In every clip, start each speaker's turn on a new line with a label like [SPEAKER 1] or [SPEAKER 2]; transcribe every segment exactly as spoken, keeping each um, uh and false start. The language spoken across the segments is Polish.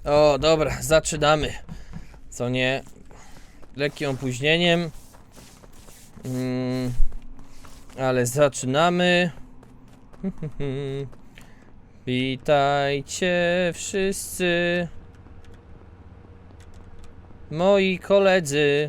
[SPEAKER 1] O, dobra, zaczynamy. Co nie? Lekkim opóźnieniem. Mm, ale zaczynamy. Witajcie wszyscy. Moi koledzy.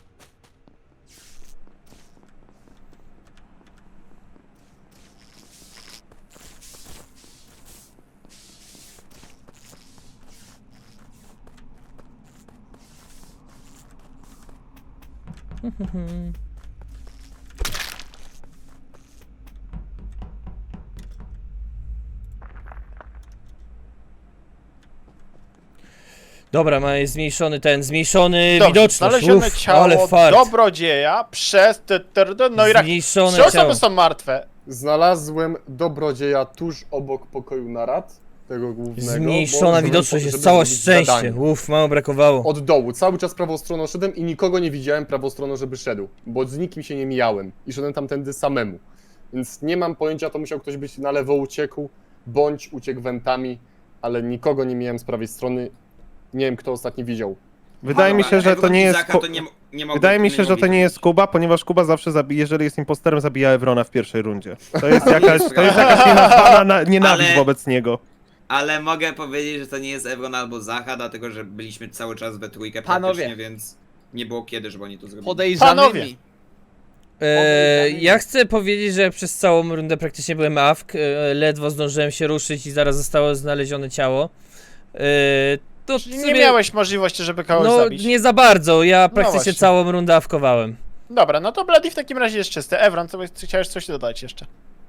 [SPEAKER 1] Dobra, ma jest zmniejszony ten, zmniejszony
[SPEAKER 2] Dobrze,
[SPEAKER 1] widoczność.
[SPEAKER 2] znalezione
[SPEAKER 1] Uf,
[SPEAKER 2] ciało
[SPEAKER 1] ale fart.
[SPEAKER 2] dobrodzieja przez... Te, te, te, no i rak...
[SPEAKER 1] Zmniejszone
[SPEAKER 2] Trzy osoby
[SPEAKER 1] ciało.
[SPEAKER 2] są martwe.
[SPEAKER 3] Znalazłem dobrodzieja tuż obok pokoju narad, tego głównego.
[SPEAKER 1] Zmniejszona
[SPEAKER 3] żeby-
[SPEAKER 1] widoczność,
[SPEAKER 3] żeby
[SPEAKER 1] jest całe
[SPEAKER 3] zrobić
[SPEAKER 1] szczęście.
[SPEAKER 3] zadanie.
[SPEAKER 1] Uff, mało brakowało.
[SPEAKER 3] Od dołu, cały czas prawą stroną szedłem i nikogo nie widziałem prawą stroną, żeby szedł, bo z nikim się nie mijałem i szedłem tamtędy samemu. Więc nie mam pojęcia, to musiał ktoś być na lewo uciekł, bądź uciekł wentami, ale nikogo nie miałem z prawej strony. Nie wiem, kto ostatni widział.
[SPEAKER 4] Wydaje mi się, że to nie jest.
[SPEAKER 5] Izaka
[SPEAKER 4] Ku-
[SPEAKER 5] to nie, nie mogą,
[SPEAKER 4] Wydaje mi się,
[SPEAKER 5] nie
[SPEAKER 4] że to
[SPEAKER 5] mogli
[SPEAKER 4] nie jest
[SPEAKER 5] zrobić.
[SPEAKER 4] Kuba, ponieważ Kuba zawsze zabija, jeżeli jest imposterem, zabija Evrona w pierwszej rundzie. To jest jakaś, to jest jakaś nienazwana na- nienawiść
[SPEAKER 5] Ale-
[SPEAKER 4] wobec niego.
[SPEAKER 5] Ale mogę powiedzieć, że to nie jest Evron albo Zacha, dlatego że byliśmy cały czas we trójkę
[SPEAKER 6] Panowie.
[SPEAKER 5] praktycznie, więc nie było kiedy, żeby oni to zrobili.
[SPEAKER 6] Podejrzanymi.
[SPEAKER 1] E, ja chcę powiedzieć, że przez całą rundę praktycznie byłem awk. E, ledwo zdążyłem się ruszyć i zaraz zostało znalezione ciało. E, to
[SPEAKER 2] Czyli
[SPEAKER 1] sobie-
[SPEAKER 2] nie miałeś możliwości, żeby kogoś
[SPEAKER 1] No
[SPEAKER 2] zabić.
[SPEAKER 1] nie za bardzo, ja praktycznie
[SPEAKER 2] właśnie.
[SPEAKER 1] całą rundę awkowałem.
[SPEAKER 2] Dobra, no to Bloody w takim razie jest czysty. Evron, co byś- chciałeś coś dodać jeszcze?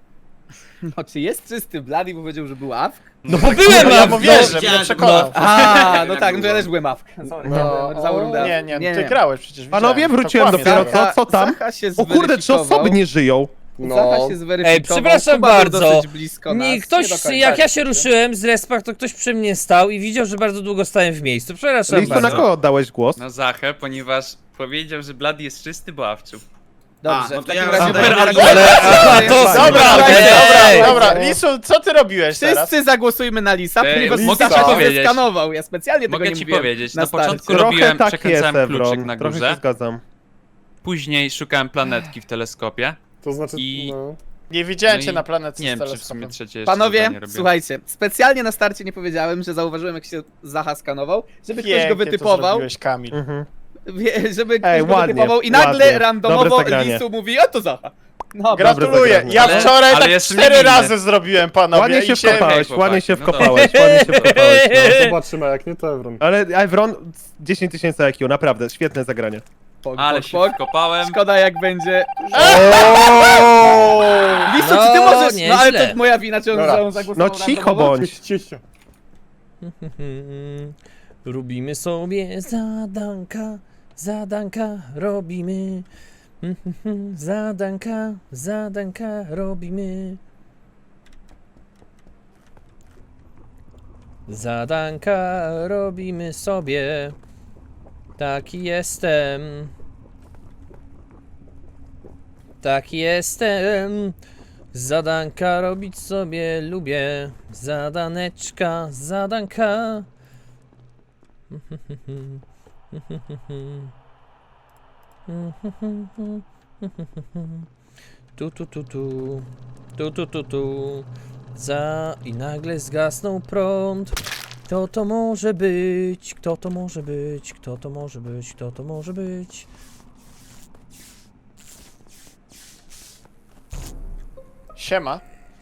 [SPEAKER 6] No czy jest czysty Bloody, bo powiedział, że był awk?
[SPEAKER 1] No bo byłem
[SPEAKER 2] Ja
[SPEAKER 1] awk,
[SPEAKER 2] mówię,
[SPEAKER 1] no.
[SPEAKER 2] że mnie
[SPEAKER 5] No.
[SPEAKER 2] przekonał.
[SPEAKER 6] A, no
[SPEAKER 5] Jak
[SPEAKER 6] tak, no to ja
[SPEAKER 5] było.
[SPEAKER 6] też byłem awk. Sorry,
[SPEAKER 3] No.
[SPEAKER 6] no, całą rundę.
[SPEAKER 2] Nie, nie,
[SPEAKER 6] Nie,
[SPEAKER 2] ty
[SPEAKER 6] nie.
[SPEAKER 2] grałeś przecież.
[SPEAKER 4] Panowie,
[SPEAKER 2] widziałem. To
[SPEAKER 4] wróciłem
[SPEAKER 2] kłamiesz,
[SPEAKER 4] dopiero,
[SPEAKER 2] Evron.
[SPEAKER 4] co, co tam?
[SPEAKER 6] Zacha się
[SPEAKER 4] O kurde, trzy
[SPEAKER 6] zweryfikował.
[SPEAKER 4] osoby nie żyją.
[SPEAKER 3] No,
[SPEAKER 6] Zacha się zweryfikował.
[SPEAKER 1] Ej, przepraszam
[SPEAKER 6] Kuba był
[SPEAKER 1] bardzo.
[SPEAKER 6] dosyć blisko nas.
[SPEAKER 1] Nie,
[SPEAKER 6] Nie
[SPEAKER 1] ktoś,
[SPEAKER 6] do końca.
[SPEAKER 1] jak ja się ruszyłem z respach, to ktoś przy mnie stał i widział, że bardzo długo stałem w miejscu. Przepraszam
[SPEAKER 4] Listo, na
[SPEAKER 1] bardzo.
[SPEAKER 4] kogo oddałeś głos?
[SPEAKER 7] Na Zachę, ponieważ powiedział, że Bloody jest czysty, bo awczył.
[SPEAKER 6] Dobrze,
[SPEAKER 5] A, no
[SPEAKER 6] w
[SPEAKER 5] to
[SPEAKER 6] takim
[SPEAKER 5] ja-
[SPEAKER 6] razie...
[SPEAKER 5] Super
[SPEAKER 6] będę-
[SPEAKER 5] argument.
[SPEAKER 1] Ale- aha, to-
[SPEAKER 2] Dobra,
[SPEAKER 1] Ej,
[SPEAKER 2] dobra,
[SPEAKER 1] ej,
[SPEAKER 2] dobra,
[SPEAKER 6] ej.
[SPEAKER 2] Lisu, co ty robiłeś teraz?
[SPEAKER 6] Wszyscy zagłosujmy na Lisa,
[SPEAKER 7] Ej,
[SPEAKER 6] ponieważ
[SPEAKER 3] mogę
[SPEAKER 6] Lisa
[SPEAKER 3] ci
[SPEAKER 6] się
[SPEAKER 7] powiedzieć.
[SPEAKER 6] skanował. Ja specjalnie tego
[SPEAKER 7] Mogę
[SPEAKER 6] nie
[SPEAKER 7] ci
[SPEAKER 6] mówiłem
[SPEAKER 7] powiedzieć,
[SPEAKER 6] na
[SPEAKER 7] na
[SPEAKER 6] starcie.
[SPEAKER 7] początku
[SPEAKER 4] Trochę
[SPEAKER 7] robiłem,
[SPEAKER 4] tak jest,
[SPEAKER 7] przekręcałem kluczyk
[SPEAKER 4] Evron.
[SPEAKER 7] na
[SPEAKER 4] Trochę się
[SPEAKER 7] górze,
[SPEAKER 4] zgadzam.
[SPEAKER 7] później szukałem planetki w teleskopie.
[SPEAKER 3] to znaczy,
[SPEAKER 7] I-
[SPEAKER 3] no.
[SPEAKER 2] Nie widziałem
[SPEAKER 7] No
[SPEAKER 2] cię
[SPEAKER 7] i
[SPEAKER 2] na planecie
[SPEAKER 7] Nie
[SPEAKER 2] z
[SPEAKER 7] wiem, czy w
[SPEAKER 2] teleskopem.
[SPEAKER 7] sumie trzecie jeszcze
[SPEAKER 6] Panowie,
[SPEAKER 7] zadanie robiłem.
[SPEAKER 6] słuchajcie, specjalnie na starcie nie powiedziałem, że zauważyłem, jak się Zacha skanował, żeby ktoś go
[SPEAKER 2] Pięknie to
[SPEAKER 6] wytypował,
[SPEAKER 2] zrobiłeś, Kamil.
[SPEAKER 4] Mhm.
[SPEAKER 6] wie- żeby ktoś
[SPEAKER 4] Ej,
[SPEAKER 6] go
[SPEAKER 4] ładnie,
[SPEAKER 6] wytypował i nagle
[SPEAKER 4] ładnie. Dobre
[SPEAKER 6] randomowo
[SPEAKER 4] zagranie.
[SPEAKER 6] Lisu mówi, a to Zacha. No,
[SPEAKER 2] Gratuluję,
[SPEAKER 4] zagranie.
[SPEAKER 2] ja
[SPEAKER 7] Ale-
[SPEAKER 2] wczoraj
[SPEAKER 7] ale
[SPEAKER 2] tak
[SPEAKER 7] jestem
[SPEAKER 2] cztery
[SPEAKER 7] niewinny.
[SPEAKER 2] razy zrobiłem, panowie.
[SPEAKER 4] Ładnie
[SPEAKER 2] i
[SPEAKER 4] się wkopałeś,
[SPEAKER 7] chłopaki,
[SPEAKER 4] ładnie się
[SPEAKER 7] no dobra.
[SPEAKER 4] wkopałeś, ładnie się wkopałeś.
[SPEAKER 3] No, zobaczymy, jak nie to Evron.
[SPEAKER 4] Ale Evron, dziesięć tysięcy I Q, naprawdę, świetne zagranie.
[SPEAKER 6] pok,
[SPEAKER 7] Ale
[SPEAKER 6] pok,
[SPEAKER 7] się
[SPEAKER 6] pok.
[SPEAKER 7] wkopałem.
[SPEAKER 6] Szkoda jak będzie...
[SPEAKER 2] Oooo!
[SPEAKER 6] Lisu, czy ty
[SPEAKER 1] No,
[SPEAKER 6] możesz... No ale
[SPEAKER 1] nieźle.
[SPEAKER 6] to moja wina, czy on
[SPEAKER 3] Dobra.
[SPEAKER 6] za on zagłosował
[SPEAKER 4] No cicho
[SPEAKER 6] randomowo?
[SPEAKER 4] bądź.
[SPEAKER 3] Cicho, cicho.
[SPEAKER 1] Robimy sobie zadanka, zadanka robimy. Zadanka, zadanka robimy. Zadanka robimy sobie. Taki jestem. Taki jestem. Zadanka robić sobie lubię. Zadaneczka, zadanka. Tu, tu, tu, tu. Tu, tu, tu, tu. Za... I nagle zgasnął prąd. Kto to może być? Kto to może być? Kto to może być? Kto to może być?
[SPEAKER 2] Siema,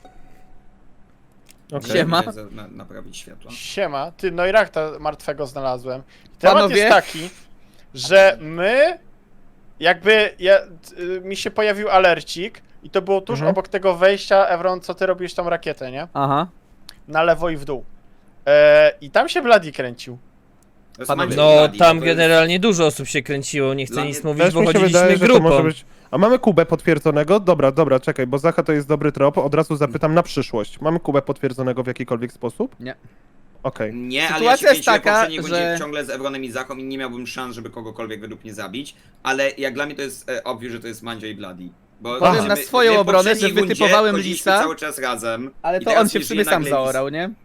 [SPEAKER 4] Okej.
[SPEAKER 6] Siema.
[SPEAKER 5] Idę za- Na, naprawić światło.
[SPEAKER 2] siema. Ty, no i Rakta martwego znalazłem. Temat
[SPEAKER 6] Panowie?
[SPEAKER 2] jest taki, że my... Jakby ja, y, mi się pojawił alercik i to było tuż
[SPEAKER 4] Mhm.
[SPEAKER 2] obok tego wejścia, Evron, co ty robisz tą rakietę, nie?
[SPEAKER 6] Aha.
[SPEAKER 2] Na lewo i w dół. E, I tam się Bloody kręcił.
[SPEAKER 5] To jest
[SPEAKER 6] Panowie.
[SPEAKER 5] Mandzio
[SPEAKER 1] No,
[SPEAKER 5] Bloody,
[SPEAKER 1] tam
[SPEAKER 5] to jest-
[SPEAKER 1] generalnie dużo osób się kręciło, nie chcę
[SPEAKER 5] Dla
[SPEAKER 1] nic
[SPEAKER 5] mnie
[SPEAKER 1] mówić,
[SPEAKER 4] Też
[SPEAKER 1] bo
[SPEAKER 4] mi się
[SPEAKER 1] chodziliśmy
[SPEAKER 4] wydaje, że to
[SPEAKER 1] grupą.
[SPEAKER 4] może być... A mamy Kubę potwierdzonego? Dobra, dobra, czekaj, bo Zacha to jest dobry trop, od razu zapytam na przyszłość. Mamy Kubę potwierdzonego w jakikolwiek sposób?
[SPEAKER 6] Nie.
[SPEAKER 4] Okej.
[SPEAKER 5] Nie, ale
[SPEAKER 6] Sytuacja
[SPEAKER 5] ja się
[SPEAKER 6] jest
[SPEAKER 5] kręciłem
[SPEAKER 6] taka,
[SPEAKER 5] w poprzedniej rundzie
[SPEAKER 6] że-
[SPEAKER 5] ciągle z Evronem i Zachą i nie miałbym szans, żeby kogokolwiek według mnie zabić, ale jak dla mnie to jest e, obvious, że to jest Mandzio i Bloody. Bo
[SPEAKER 6] Powiem
[SPEAKER 5] my-
[SPEAKER 6] na swoją
[SPEAKER 5] my w
[SPEAKER 6] obronę,
[SPEAKER 5] poprzedniej
[SPEAKER 6] że
[SPEAKER 5] rundzie
[SPEAKER 6] wytypowałem
[SPEAKER 5] chodziliśmy
[SPEAKER 6] Lisa,
[SPEAKER 5] cały czas razem.
[SPEAKER 6] Ale
[SPEAKER 5] i
[SPEAKER 6] to
[SPEAKER 5] teraz
[SPEAKER 6] on się w
[SPEAKER 5] jeżeli
[SPEAKER 6] sumie sam
[SPEAKER 5] nagle Lis-
[SPEAKER 6] zaorał, nie?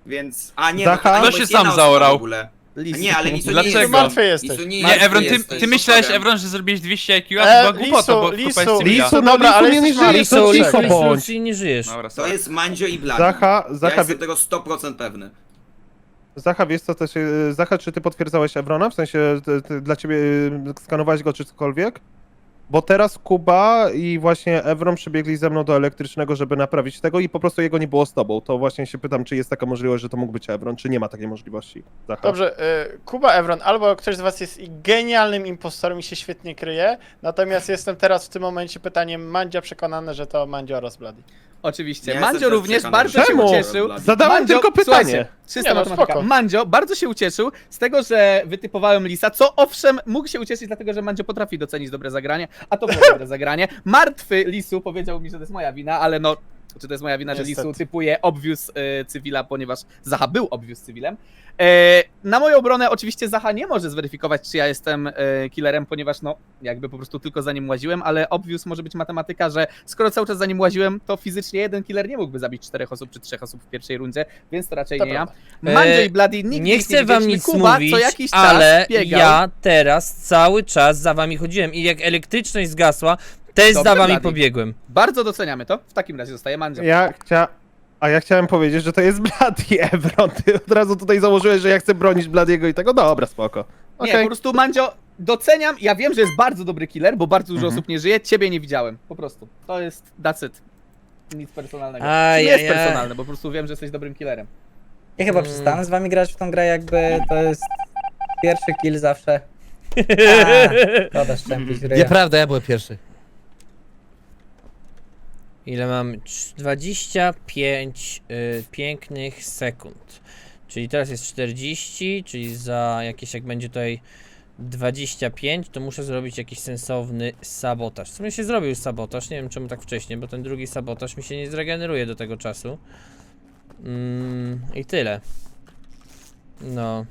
[SPEAKER 5] Więc... A nie,
[SPEAKER 4] Zacha?
[SPEAKER 5] no, to
[SPEAKER 7] Kto
[SPEAKER 5] jest
[SPEAKER 7] się sam
[SPEAKER 5] jedna osoba
[SPEAKER 7] zaorał?
[SPEAKER 5] w ogóle. A
[SPEAKER 6] Lisu.
[SPEAKER 5] nie, ale Lisu nie
[SPEAKER 7] Dlaczego?
[SPEAKER 5] jest...
[SPEAKER 2] Martwy jesteś.
[SPEAKER 5] Lisu nie,
[SPEAKER 7] Nie,
[SPEAKER 5] jest-
[SPEAKER 7] Evron, ty,
[SPEAKER 5] jesteś
[SPEAKER 7] ty myślałeś,
[SPEAKER 5] potworem.
[SPEAKER 7] Evron, że zrobiłeś dwieście I Q, a to była
[SPEAKER 2] E,
[SPEAKER 7] głupota, bo
[SPEAKER 2] Lisu,
[SPEAKER 7] kupa jest
[SPEAKER 2] Lisu,
[SPEAKER 7] cywila.
[SPEAKER 4] Lisu, no
[SPEAKER 2] dobra, ale
[SPEAKER 4] Lisu nie
[SPEAKER 2] jesteśmy-
[SPEAKER 4] żyje,
[SPEAKER 1] Lisu,
[SPEAKER 4] to
[SPEAKER 1] Lisu,
[SPEAKER 4] cicho
[SPEAKER 1] Lisu,
[SPEAKER 4] bądź.
[SPEAKER 1] Lisu, nie żyjesz.
[SPEAKER 5] To
[SPEAKER 7] Dobra, sorry.
[SPEAKER 5] jest Mandzio i Bloody.
[SPEAKER 4] Zacha,
[SPEAKER 5] Ja
[SPEAKER 4] Zacha,
[SPEAKER 5] jestem tego sto procent pewny.
[SPEAKER 4] Zacha, wiesz co też, e, Zacha, czy ty potwierdzałeś Evrona? W sensie, ty, ty, dla ciebie e, skanowałeś go czy cokolwiek? Bo teraz Kuba i właśnie Evron przybiegli ze mną do elektrycznego, żeby naprawić tego i po prostu jego nie było z tobą. To właśnie się pytam, czy jest taka możliwość, że to mógł być Evron, czy nie ma takiej możliwości. Zacha.
[SPEAKER 2] Dobrze, y, Kuba, Evron, albo ktoś z was jest i genialnym impostorem i się świetnie kryje, natomiast jestem teraz w tym momencie pytaniem Mandzia przekonany, że to Mandzio oraz Bloody.
[SPEAKER 6] Oczywiście.
[SPEAKER 5] Ja
[SPEAKER 6] Mandzio
[SPEAKER 5] jestem też
[SPEAKER 6] również
[SPEAKER 5] przekonany,
[SPEAKER 6] bardzo się
[SPEAKER 4] Czemu?
[SPEAKER 6] ucieszył.
[SPEAKER 4] Zadałem
[SPEAKER 6] Mandzio,
[SPEAKER 4] tylko pytanie.
[SPEAKER 6] Słuchajcie, czysta
[SPEAKER 2] Nie, no,
[SPEAKER 6] matematyka.
[SPEAKER 2] spoko.
[SPEAKER 6] Mandzio bardzo się ucieszył z tego, że wytypowałem Lisa, co owszem mógł się ucieszyć, dlatego że Mandzio potrafi docenić dobre zagranie, a to było dobre zagranie. Martwy Lisu powiedział mi, że to jest moja wina, ale no, czy to jest moja wina, że
[SPEAKER 2] Niestety.
[SPEAKER 6] Lisu typuje obvious y, cywila, ponieważ Zacha był obvious cywilem. E, na moją obronę oczywiście Zacha nie może zweryfikować, czy ja jestem e, killerem, ponieważ no, jakby po prostu tylko za nim łaziłem, ale obvious może być matematyka, że skoro cały czas za nim łaziłem, to fizycznie jeden killer nie mógłby zabić czterech osób czy trzech osób w pierwszej rundzie, więc to raczej
[SPEAKER 2] To
[SPEAKER 6] nie ja.
[SPEAKER 2] prawda.
[SPEAKER 6] Mandzio
[SPEAKER 1] E,
[SPEAKER 6] i Bloody nigdy
[SPEAKER 1] Nie
[SPEAKER 6] ich
[SPEAKER 1] chcę wam
[SPEAKER 6] widzieliśmy.
[SPEAKER 1] nic
[SPEAKER 6] Kuba
[SPEAKER 1] mówić,
[SPEAKER 6] co jakiś czas
[SPEAKER 1] ale
[SPEAKER 6] biegał.
[SPEAKER 1] ja teraz cały czas za wami chodziłem i jak elektryczność zgasła, też
[SPEAKER 6] Dobrze,
[SPEAKER 1] za wami
[SPEAKER 6] Blady.
[SPEAKER 1] pobiegłem.
[SPEAKER 6] Bardzo doceniamy to. W takim razie zostaje Mandzio.
[SPEAKER 4] Ja chcia... A ja chciałem powiedzieć, że to jest Bloody Evron. Ty od razu tutaj założyłeś, że ja chcę bronić Bladiego i tego. Dobra, spoko.
[SPEAKER 6] Nie,
[SPEAKER 4] Okej.
[SPEAKER 6] po prostu Mandzio, doceniam, ja wiem, że jest bardzo dobry killer, bo bardzo dużo
[SPEAKER 4] Mhm.
[SPEAKER 6] osób nie żyje, ciebie nie widziałem, po prostu. To jest, that's it. Nic personalnego.
[SPEAKER 1] Aj,
[SPEAKER 6] Czy nie jest
[SPEAKER 1] aj, aj.
[SPEAKER 6] personalne, bo po prostu wiem, że jesteś dobrym killerem.
[SPEAKER 8] Ja chyba
[SPEAKER 1] Mm.
[SPEAKER 8] przestanę z wami grać w tą grę, jakby to jest pierwszy kill zawsze. A, szkoda szczępić ryja.
[SPEAKER 9] Nieprawda, ja byłem pierwszy.
[SPEAKER 1] Ile mam? Cz- dwadzieścia pięć y, pięknych sekund. Czyli teraz jest czterdzieści, czyli za jakieś, jak będzie tutaj dwadzieścia pięć, to muszę zrobić jakiś sensowny sabotaż. W sumie się zrobił już sabotaż, nie wiem czemu tak wcześnie, bo ten drugi sabotaż mi się nie zregeneruje do tego czasu. Mm, I tyle. No.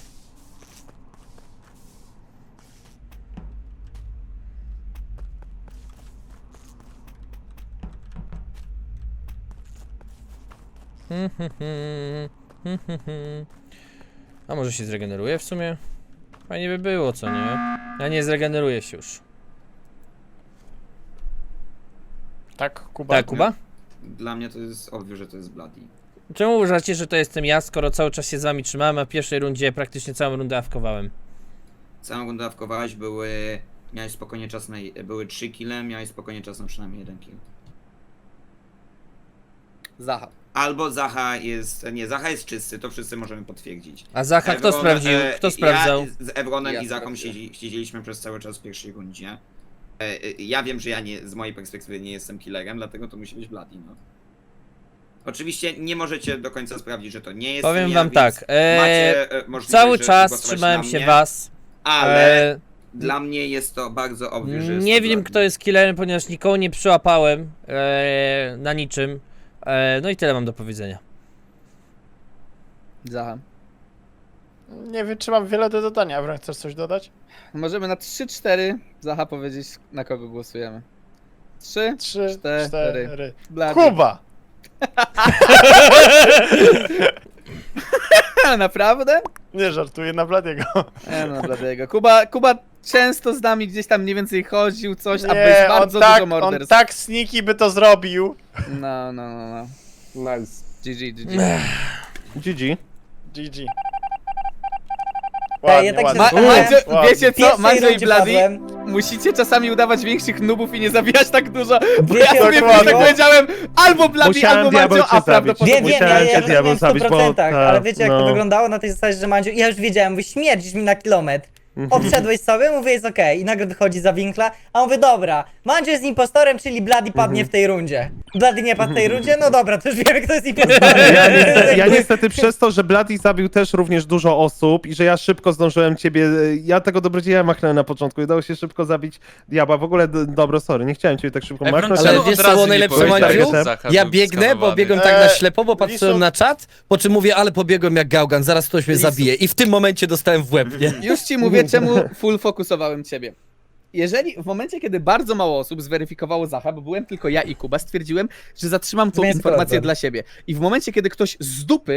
[SPEAKER 1] A może się zregeneruje w sumie? Fajnie by było, co nie? A nie, zregeneruje się już.
[SPEAKER 2] Tak, Kuba?
[SPEAKER 1] Tak, Kuba?
[SPEAKER 5] Dla mnie to jest obvious, że to jest Bloody.
[SPEAKER 1] Czemu uważacie, że to jestem ja, skoro cały czas się z wami trzymałem, a w pierwszej rundzie praktycznie całą rundę awkowałem?
[SPEAKER 5] Całą rundę dawkowałeś, były... Miałeś spokojnie czas na... Były trzy kile, miałeś spokojnie czas na przynajmniej jeden kill.
[SPEAKER 6] Zacha.
[SPEAKER 5] Albo Zacha jest... Nie, Zacha jest czysty, to wszyscy możemy potwierdzić.
[SPEAKER 1] A Zacha kto
[SPEAKER 5] Evron,
[SPEAKER 1] sprawdził?
[SPEAKER 5] e,
[SPEAKER 1] Kto sprawdzał?
[SPEAKER 5] Ja z Evronem
[SPEAKER 6] Ja
[SPEAKER 5] i Zachą
[SPEAKER 6] sprawdziłem.
[SPEAKER 5] siedzi, siedzieliśmy przez cały czas w pierwszej rundzie. E, e, ja wiem, że ja nie, z mojej perspektywy nie jestem killerem, dlatego to musi być Bloody, no. Oczywiście nie możecie do końca sprawdzić, że to nie jest
[SPEAKER 1] Powiem
[SPEAKER 5] ja,
[SPEAKER 1] wam
[SPEAKER 5] więc
[SPEAKER 1] tak, e,
[SPEAKER 5] macie e, możliwość,
[SPEAKER 1] Cały
[SPEAKER 5] żeby
[SPEAKER 1] czas
[SPEAKER 5] głosować
[SPEAKER 1] trzymałem
[SPEAKER 5] na
[SPEAKER 1] się
[SPEAKER 5] mnie,
[SPEAKER 1] was.
[SPEAKER 5] ale
[SPEAKER 1] E,
[SPEAKER 5] dla mnie jest to bardzo obvious, że jest
[SPEAKER 1] nie
[SPEAKER 5] to
[SPEAKER 1] wiem
[SPEAKER 5] Bloody.
[SPEAKER 1] kto jest killerem, ponieważ nikogo nie przyłapałem e, na niczym. E, no i tyle mam do powiedzenia.
[SPEAKER 6] Zacha.
[SPEAKER 2] Nie wiem, czy mam wiele do dodania. Evron, chcesz coś dodać?
[SPEAKER 6] Możemy na trzy cztery Zacha powiedzieć, na kogo głosujemy. trzy,
[SPEAKER 2] Trzy,
[SPEAKER 6] cztery.
[SPEAKER 2] cztery.
[SPEAKER 6] Bloody.
[SPEAKER 2] Kuba!
[SPEAKER 6] Naprawdę?
[SPEAKER 2] Nie żartuję, na Bladiego.
[SPEAKER 6] Nie no, Bladiego. Kuba, Kuba często z nami gdzieś tam mniej więcej chodził, coś, a bez
[SPEAKER 2] Nie, on
[SPEAKER 6] bardzo
[SPEAKER 2] tak,
[SPEAKER 6] dużo
[SPEAKER 2] on
[SPEAKER 6] morderstw.
[SPEAKER 2] tak sneaky by to zrobił.
[SPEAKER 6] No, no, no, no.
[SPEAKER 3] Nice.
[SPEAKER 6] G G, G G.
[SPEAKER 4] G G.
[SPEAKER 2] G G.
[SPEAKER 8] Ej,
[SPEAKER 2] Ładnie,
[SPEAKER 8] ja tak się
[SPEAKER 2] ładnie.
[SPEAKER 6] Ma,
[SPEAKER 8] zastanawiam.
[SPEAKER 6] Mandzio,
[SPEAKER 2] Ładnie.
[SPEAKER 6] wiecie
[SPEAKER 8] W
[SPEAKER 6] co,
[SPEAKER 8] pierwszej
[SPEAKER 6] Mandzio i
[SPEAKER 8] rundzie
[SPEAKER 6] Bloody,
[SPEAKER 8] padłem.
[SPEAKER 6] musicie czasami udawać większych nubów i nie zabijać tak dużo, bo
[SPEAKER 8] Wiecie,
[SPEAKER 6] ja sobie
[SPEAKER 2] dokładnie.
[SPEAKER 6] tak powiedziałem, albo Bloody,
[SPEAKER 4] Musiałem
[SPEAKER 6] albo
[SPEAKER 4] diabeł
[SPEAKER 6] Mandzio,
[SPEAKER 4] cię
[SPEAKER 6] a
[SPEAKER 4] zabić.
[SPEAKER 6] prawdopodobnie...
[SPEAKER 8] Wiem, wiem, ja,
[SPEAKER 4] Musiałem
[SPEAKER 8] ja
[SPEAKER 4] cię
[SPEAKER 8] to
[SPEAKER 4] diabeł
[SPEAKER 8] wiem w stu
[SPEAKER 4] zabić, bo
[SPEAKER 8] procentach,
[SPEAKER 4] ta-
[SPEAKER 8] ale wiecie jak to
[SPEAKER 4] no.
[SPEAKER 8] wyglądało na tej zasadzie, że Mandziu, ja już wiedziałem, mówię, śmierdzisz mi na kilometr.
[SPEAKER 4] Mhm.
[SPEAKER 8] Obszedłeś sobie, mówię, jest okej. I nagle wychodzi za winkla, a mówię, dobra, Mandziu jest impostorem, czyli Bloody padnie
[SPEAKER 4] Mhm.
[SPEAKER 8] w tej rundzie. Bloody nie padł w tej rundzie? No dobra, to już wiemy, kto jest impostorem.
[SPEAKER 4] Ja niestety, ja niestety przez to, że Bloody zabił też również dużo osób i że ja szybko zdążyłem ciebie, ja tego dobrodzieja machnąłem na początku i udało się szybko zabić diabła. W ogóle, d- dobro, sorry, nie chciałem ciebie tak szybko
[SPEAKER 7] Evron,
[SPEAKER 4] machnąć.
[SPEAKER 7] czemu
[SPEAKER 9] Ale
[SPEAKER 7] od
[SPEAKER 9] wiesz co
[SPEAKER 7] razu
[SPEAKER 9] było
[SPEAKER 7] nie
[SPEAKER 9] najlepsze,
[SPEAKER 7] powiedziałeś,
[SPEAKER 9] Mandziu?
[SPEAKER 7] że Zacha
[SPEAKER 9] Ja
[SPEAKER 7] był
[SPEAKER 9] biegnę, bo
[SPEAKER 7] skanowany?
[SPEAKER 9] biegłem tak na
[SPEAKER 2] Eee,
[SPEAKER 9] ślepo, bo patrzyłem
[SPEAKER 2] Lisu-
[SPEAKER 9] na czat, po czym mówię, ale pobiegłem jak gałgan, zaraz ktoś mnie
[SPEAKER 6] Lisu-
[SPEAKER 9] zabije. I w tym momencie dostałem w łeb, nie?
[SPEAKER 6] Już ci mówię, czemu full fokusowałem ciebie. Jeżeli w momencie, kiedy bardzo mało osób zweryfikowało Zacha, bo byłem tylko ja i Kuba, stwierdziłem, że zatrzymam tą
[SPEAKER 8] Zmień
[SPEAKER 6] informację
[SPEAKER 8] sprawdzam.
[SPEAKER 6] dla siebie. I w momencie, kiedy ktoś z dupy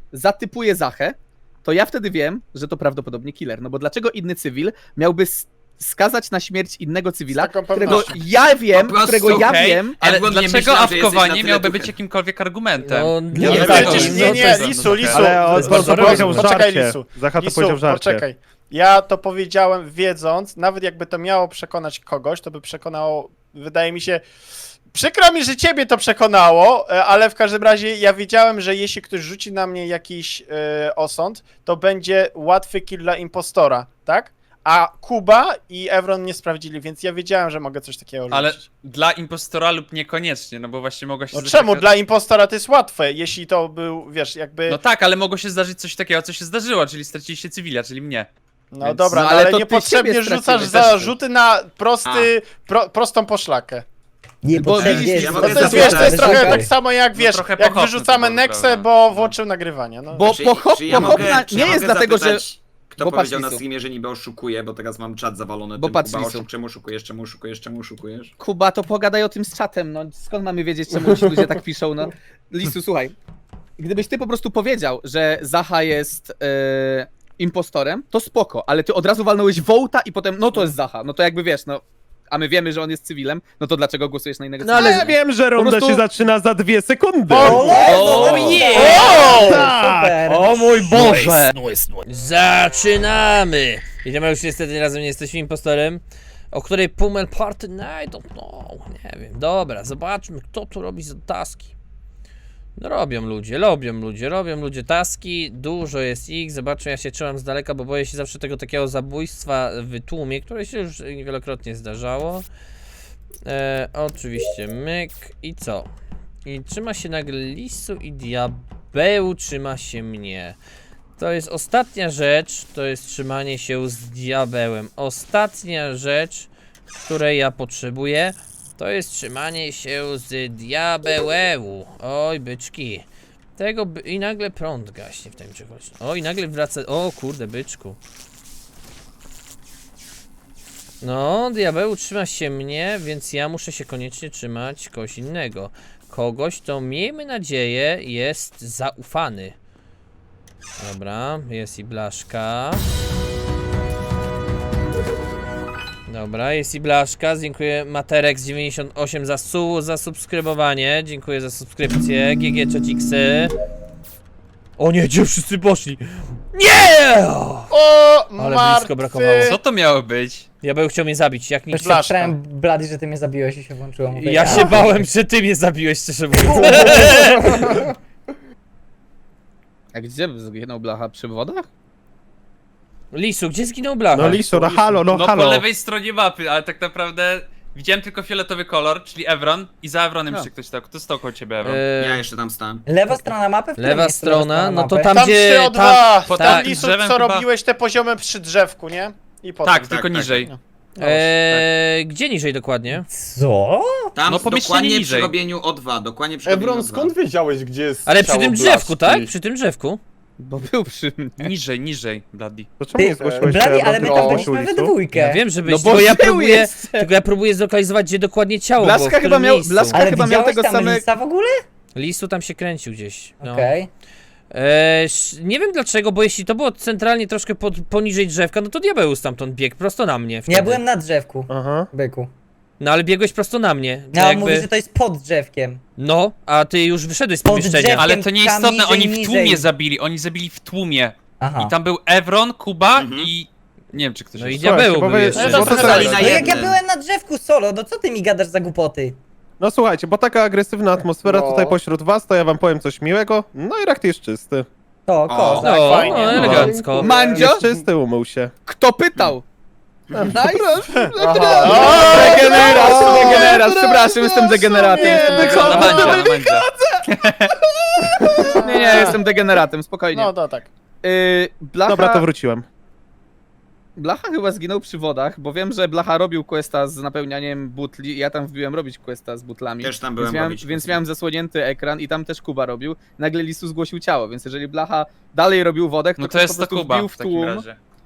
[SPEAKER 6] zatypuje Zachę, to ja wtedy wiem, że to prawdopodobnie killer. No bo dlaczego inny cywil miałby s- skazać na śmierć innego cywila,
[SPEAKER 2] Z taką
[SPEAKER 6] którego
[SPEAKER 2] pewnością.
[SPEAKER 6] ja wiem,
[SPEAKER 5] Po prostu,
[SPEAKER 6] którego ja
[SPEAKER 7] okej,
[SPEAKER 6] wiem,
[SPEAKER 7] Ale
[SPEAKER 5] Edward, nie
[SPEAKER 7] dlaczego
[SPEAKER 5] myślałem, że jesteś na
[SPEAKER 7] awkowanie
[SPEAKER 5] tyle
[SPEAKER 7] miałby
[SPEAKER 5] duchem.
[SPEAKER 7] być jakimkolwiek argumentem?
[SPEAKER 1] No,
[SPEAKER 2] Nie,
[SPEAKER 1] nie,
[SPEAKER 2] nie,
[SPEAKER 1] tak,
[SPEAKER 2] przecież,
[SPEAKER 1] no,
[SPEAKER 2] nie,
[SPEAKER 1] to
[SPEAKER 2] nie,
[SPEAKER 1] jest-
[SPEAKER 2] Lisu, Lisu,
[SPEAKER 4] Ale on
[SPEAKER 1] jest
[SPEAKER 4] to,
[SPEAKER 1] bardzo
[SPEAKER 4] to powiedział w
[SPEAKER 1] rozumne.
[SPEAKER 2] Poczekaj,
[SPEAKER 4] żarcie.
[SPEAKER 2] Lisu.
[SPEAKER 4] Zacha to
[SPEAKER 2] Lisu,
[SPEAKER 4] powiedział w żarcie.
[SPEAKER 2] poczekaj. Ja to powiedziałem wiedząc, nawet jakby to miało przekonać kogoś, to by przekonało, wydaje mi się, przykro mi, że ciebie to przekonało, e, ale w każdym razie ja wiedziałem, że jeśli ktoś rzuci na mnie jakiś e, osąd, to będzie łatwy kill dla impostora, tak? A Kuba i Evron nie sprawdzili, więc ja wiedziałem, że mogę coś takiego
[SPEAKER 7] Ale
[SPEAKER 2] rzucić.
[SPEAKER 7] dla impostora lub niekoniecznie, no bo właśnie mogło się
[SPEAKER 2] No
[SPEAKER 7] zdarzyć
[SPEAKER 2] czemu?
[SPEAKER 7] taka-
[SPEAKER 2] Dla impostora to jest łatwe, jeśli to był, wiesz, jakby...
[SPEAKER 7] No tak, ale mogło się zdarzyć coś takiego, co się zdarzyło, czyli straciliście cywila, czyli mnie.
[SPEAKER 2] No
[SPEAKER 7] Więc-
[SPEAKER 2] dobra,
[SPEAKER 6] no
[SPEAKER 2] no,
[SPEAKER 6] ale
[SPEAKER 2] ale
[SPEAKER 6] to ty
[SPEAKER 2] niepotrzebnie
[SPEAKER 6] siebie
[SPEAKER 2] rzucasz
[SPEAKER 6] straciłeś
[SPEAKER 2] zarzuty na prosty, pro, prostą poszlakę.
[SPEAKER 8] Nie
[SPEAKER 6] Bo
[SPEAKER 8] potrzebnie
[SPEAKER 6] widzisz,
[SPEAKER 8] jest
[SPEAKER 5] ja
[SPEAKER 2] No
[SPEAKER 5] mogę
[SPEAKER 2] to jest,
[SPEAKER 5] zapytać,
[SPEAKER 2] wiesz, to jest trochę
[SPEAKER 8] Czekaj.
[SPEAKER 2] tak samo jak, wiesz,
[SPEAKER 7] trochę
[SPEAKER 2] jak
[SPEAKER 7] pochopne
[SPEAKER 2] wyrzucamy
[SPEAKER 7] to było,
[SPEAKER 2] Nexę,
[SPEAKER 7] prawda?
[SPEAKER 2] bo
[SPEAKER 7] No.
[SPEAKER 2] włączył nagrywanie, no.
[SPEAKER 6] Bo
[SPEAKER 5] Czy,
[SPEAKER 6] pochop,
[SPEAKER 5] czy ja
[SPEAKER 6] pochopna
[SPEAKER 5] mogę, czy
[SPEAKER 6] nie
[SPEAKER 5] ja
[SPEAKER 6] jest
[SPEAKER 5] mogę
[SPEAKER 6] dlatego, że...
[SPEAKER 5] zapytać, kto
[SPEAKER 6] bo
[SPEAKER 5] powiedział
[SPEAKER 6] patrz,
[SPEAKER 5] na
[SPEAKER 6] Lisu.
[SPEAKER 5] streamie, że niby oszukuje, bo teraz mam czat zawalony
[SPEAKER 6] Bo
[SPEAKER 5] tym,
[SPEAKER 6] patrz,
[SPEAKER 5] Kuba,
[SPEAKER 6] Lisu.
[SPEAKER 5] oszuk, czemu oszukujesz, czemu oszukujesz, czemu oszukujesz?
[SPEAKER 6] Kuba, to pogadaj o tym z czatem, no skąd mamy wiedzieć, czemu ci ludzie tak piszą, no. Lisu, słuchaj, gdybyś ty po prostu powiedział, że Zacha jest e, impostorem, to spoko, ale ty od razu walnąłeś Wołta i potem, no to jest Zacha, no to jakby wiesz, no, a my wiemy, że on jest cywilem, no to dlaczego głosujesz na innego
[SPEAKER 1] No,
[SPEAKER 6] cywila?
[SPEAKER 1] ale-
[SPEAKER 4] Ja wiem, że runda
[SPEAKER 6] prostu-
[SPEAKER 4] się zaczyna za dwie sekundy.
[SPEAKER 2] O,
[SPEAKER 1] O nie!
[SPEAKER 8] Super!
[SPEAKER 1] O mój Boże! Zaczynamy! Idziemy, już niestety razem nie jesteśmy impostorem. O której Pummel Party? No, I don't know. Nie wiem. Dobra, zobaczmy, kto tu robi za taski. No robią ludzie, robią ludzie, robią ludzie taski. Dużo jest ich. Zobaczmy, ja się trzymam z daleka, bo boję się zawsze tego takiego zabójstwa w tłumie, które się już wielokrotnie zdarzało. E, oczywiście myk i co? I trzyma się nagle Lisu i Diabeł trzyma się mnie. To jest ostatnia rzecz, to jest trzymanie się z Diabełem. Ostatnia rzecz, której ja potrzebuję, to jest trzymanie się z Diabełeł. Oj, byczki. Tego by... I nagle prąd gaśnie w tym czegoś. O, i nagle wraca... O, kurde, byczku. No, Diabeł trzyma się mnie, więc ja muszę się koniecznie trzymać kogoś innego. Kogoś, kto miejmy nadzieję jest zaufany. Dobra, jest i Blaszka. Dobra, jest i Blaszka. Dziękuję Materex dziewięćdziesiąt osiem za, su za subskrybowanie. Dziękuję za subskrypcję. G G Czociksy. O nie, gdzie wszyscy poszli? Nie!
[SPEAKER 2] O,
[SPEAKER 1] Ale
[SPEAKER 2] martwy.
[SPEAKER 1] blisko brakowało.
[SPEAKER 7] Co to miało być?
[SPEAKER 1] Diabeł chciał mnie zabić, jak nic.
[SPEAKER 8] Już się
[SPEAKER 2] Blaszka.
[SPEAKER 8] przepraszam, Blady, że ty mnie zabiłeś i się włączyło. Mówię,
[SPEAKER 1] Ja się bałem, że ty mnie zabiłeś, szczerze mówiąc.
[SPEAKER 6] A gdzie zginął Blacha? Przy wodach?
[SPEAKER 1] Lisu, gdzie zginął Blacha?
[SPEAKER 4] No Lisu, no halo, no
[SPEAKER 7] No po
[SPEAKER 4] halo.
[SPEAKER 7] lewej stronie mapy, ale tak naprawdę widziałem tylko fioletowy kolor, czyli Evron i za Evronem
[SPEAKER 6] No.
[SPEAKER 7] jeszcze ktoś stał. Kto stał koło ciebie, Evron?
[SPEAKER 5] Ja
[SPEAKER 1] E,
[SPEAKER 5] jeszcze tam stałem.
[SPEAKER 8] Lewa strona mapy? W którym
[SPEAKER 1] lewa
[SPEAKER 8] miejscu lewa
[SPEAKER 1] strona, no to
[SPEAKER 8] mapy?
[SPEAKER 1] tam
[SPEAKER 2] Tam
[SPEAKER 1] gdzie...
[SPEAKER 2] trzy o
[SPEAKER 1] Tam,
[SPEAKER 2] dwa,
[SPEAKER 7] po
[SPEAKER 2] tam
[SPEAKER 7] tak,
[SPEAKER 2] Lisu,
[SPEAKER 7] drzewem
[SPEAKER 2] co
[SPEAKER 7] chyba-
[SPEAKER 2] robiłeś te poziomy przy drzewku, nie? I potem.
[SPEAKER 7] tak,
[SPEAKER 5] tak,
[SPEAKER 7] tylko
[SPEAKER 5] tak.
[SPEAKER 7] niżej.
[SPEAKER 2] No.
[SPEAKER 1] Eee, gdzie niżej dokładnie?
[SPEAKER 8] Co?
[SPEAKER 5] Tam
[SPEAKER 7] No, pomieszczenie
[SPEAKER 5] dokładnie przy
[SPEAKER 7] niżej.
[SPEAKER 5] robieniu O dwa, dokładnie przy robieniu
[SPEAKER 3] Ebron,
[SPEAKER 5] O dwa.
[SPEAKER 3] skąd wiedziałeś, gdzie jest
[SPEAKER 1] Ale przy
[SPEAKER 3] ciało
[SPEAKER 1] tym drzewku,
[SPEAKER 3] Blaszki?
[SPEAKER 1] tak? Przy tym drzewku.
[SPEAKER 6] Bo był przy mnie.
[SPEAKER 7] Niżej, niżej, Bloody.
[SPEAKER 4] To czemu nie
[SPEAKER 8] Ty,
[SPEAKER 4] zgłosiłeś
[SPEAKER 8] Blady,
[SPEAKER 4] się,
[SPEAKER 8] ale my
[SPEAKER 4] bo
[SPEAKER 8] tam
[SPEAKER 4] to
[SPEAKER 8] byliśmy we
[SPEAKER 4] Lisu?
[SPEAKER 8] dwójkę.
[SPEAKER 1] Ja wiem, że byś,
[SPEAKER 6] No bo
[SPEAKER 1] tylko ja
[SPEAKER 6] był
[SPEAKER 1] próbuję,
[SPEAKER 6] jeszcze.
[SPEAKER 1] tylko ja próbuję zlokalizować, gdzie dokładnie ciało było, w
[SPEAKER 6] Blaszka
[SPEAKER 1] którym
[SPEAKER 6] chyba miał,
[SPEAKER 1] miejscu.
[SPEAKER 6] Blaszka
[SPEAKER 8] Ale
[SPEAKER 6] chyba miał
[SPEAKER 8] widziałeś
[SPEAKER 6] tego
[SPEAKER 8] tam
[SPEAKER 6] samego...
[SPEAKER 8] Lisa w ogóle?
[SPEAKER 1] Lisu tam się kręcił gdzieś. No.
[SPEAKER 8] Okej.
[SPEAKER 1] Eee, sz- nie wiem dlaczego, bo jeśli to było centralnie troszkę pod, poniżej drzewka, no to Diabeł stamtąd biegł prosto na mnie. Wtedy.
[SPEAKER 8] Ja byłem na drzewku,
[SPEAKER 4] Aha.
[SPEAKER 8] byku.
[SPEAKER 1] No ale biegłeś prosto na mnie. To
[SPEAKER 8] No, on
[SPEAKER 1] jakby...
[SPEAKER 8] mówi, że to jest pod drzewkiem.
[SPEAKER 1] No, a ty już wyszedłeś z
[SPEAKER 8] Pod
[SPEAKER 1] pomieszczenia.
[SPEAKER 8] drzewkiem.
[SPEAKER 7] Ale to
[SPEAKER 8] tam
[SPEAKER 7] nieistotne,
[SPEAKER 8] niżej,
[SPEAKER 7] oni w
[SPEAKER 8] niżej.
[SPEAKER 7] tłumie zabili, oni zabili w tłumie.
[SPEAKER 8] Aha.
[SPEAKER 7] I tam był Evron, Kuba
[SPEAKER 5] Mhm.
[SPEAKER 7] i... Nie wiem, czy ktoś
[SPEAKER 1] No i
[SPEAKER 7] jeszcze.
[SPEAKER 1] Diabeł
[SPEAKER 4] Słuchajcie,
[SPEAKER 1] był
[SPEAKER 4] bo wy-
[SPEAKER 1] jeszcze.
[SPEAKER 2] No
[SPEAKER 5] to
[SPEAKER 2] to
[SPEAKER 5] stali
[SPEAKER 2] co?
[SPEAKER 5] na
[SPEAKER 8] No jak ja
[SPEAKER 5] jednym.
[SPEAKER 8] byłem na drzewku solo, no co ty mi gadasz za głupoty?
[SPEAKER 4] No słuchajcie, bo taka agresywna atmosfera
[SPEAKER 3] No.
[SPEAKER 4] tutaj pośród was, to ja wam powiem coś miłego. No i rakt jest czysty.
[SPEAKER 8] To,
[SPEAKER 5] O.
[SPEAKER 8] kozak.
[SPEAKER 1] No,
[SPEAKER 2] fajnie.
[SPEAKER 1] no, elegancko.
[SPEAKER 6] Mandzio?
[SPEAKER 4] Jest czysty, umył się.
[SPEAKER 6] Kto pytał? Nice.
[SPEAKER 2] Aha.
[SPEAKER 6] Degenerat, degenerat, przepraszam, jestem degeneratem. Jestem
[SPEAKER 7] Na
[SPEAKER 6] degeneratem.
[SPEAKER 7] mandzie, na mandzie.
[SPEAKER 6] Nie, nie, jestem degeneratem, spokojnie.
[SPEAKER 2] No to tak.
[SPEAKER 6] Yy, Blacha,
[SPEAKER 4] Dobra, to wróciłem.
[SPEAKER 6] Blacha chyba zginął przy wodach, bo wiem, że Blacha robił questa z napełnianiem butli i ja tam wbiłem robić questa z butlami.
[SPEAKER 5] Też tam
[SPEAKER 6] Więc
[SPEAKER 5] byłem
[SPEAKER 6] miałem,
[SPEAKER 5] robić
[SPEAKER 6] więc
[SPEAKER 5] questa.
[SPEAKER 6] miałem zasłonięty ekran i tam też Kuba robił. Nagle Lisu zgłosił ciało, więc jeżeli Blacha dalej robił wodę, to
[SPEAKER 7] No to
[SPEAKER 6] ktoś
[SPEAKER 7] jest
[SPEAKER 6] po
[SPEAKER 7] to
[SPEAKER 6] prostu
[SPEAKER 7] Kuba
[SPEAKER 6] wbił w
[SPEAKER 7] w takim
[SPEAKER 6] tłum.
[SPEAKER 7] razie.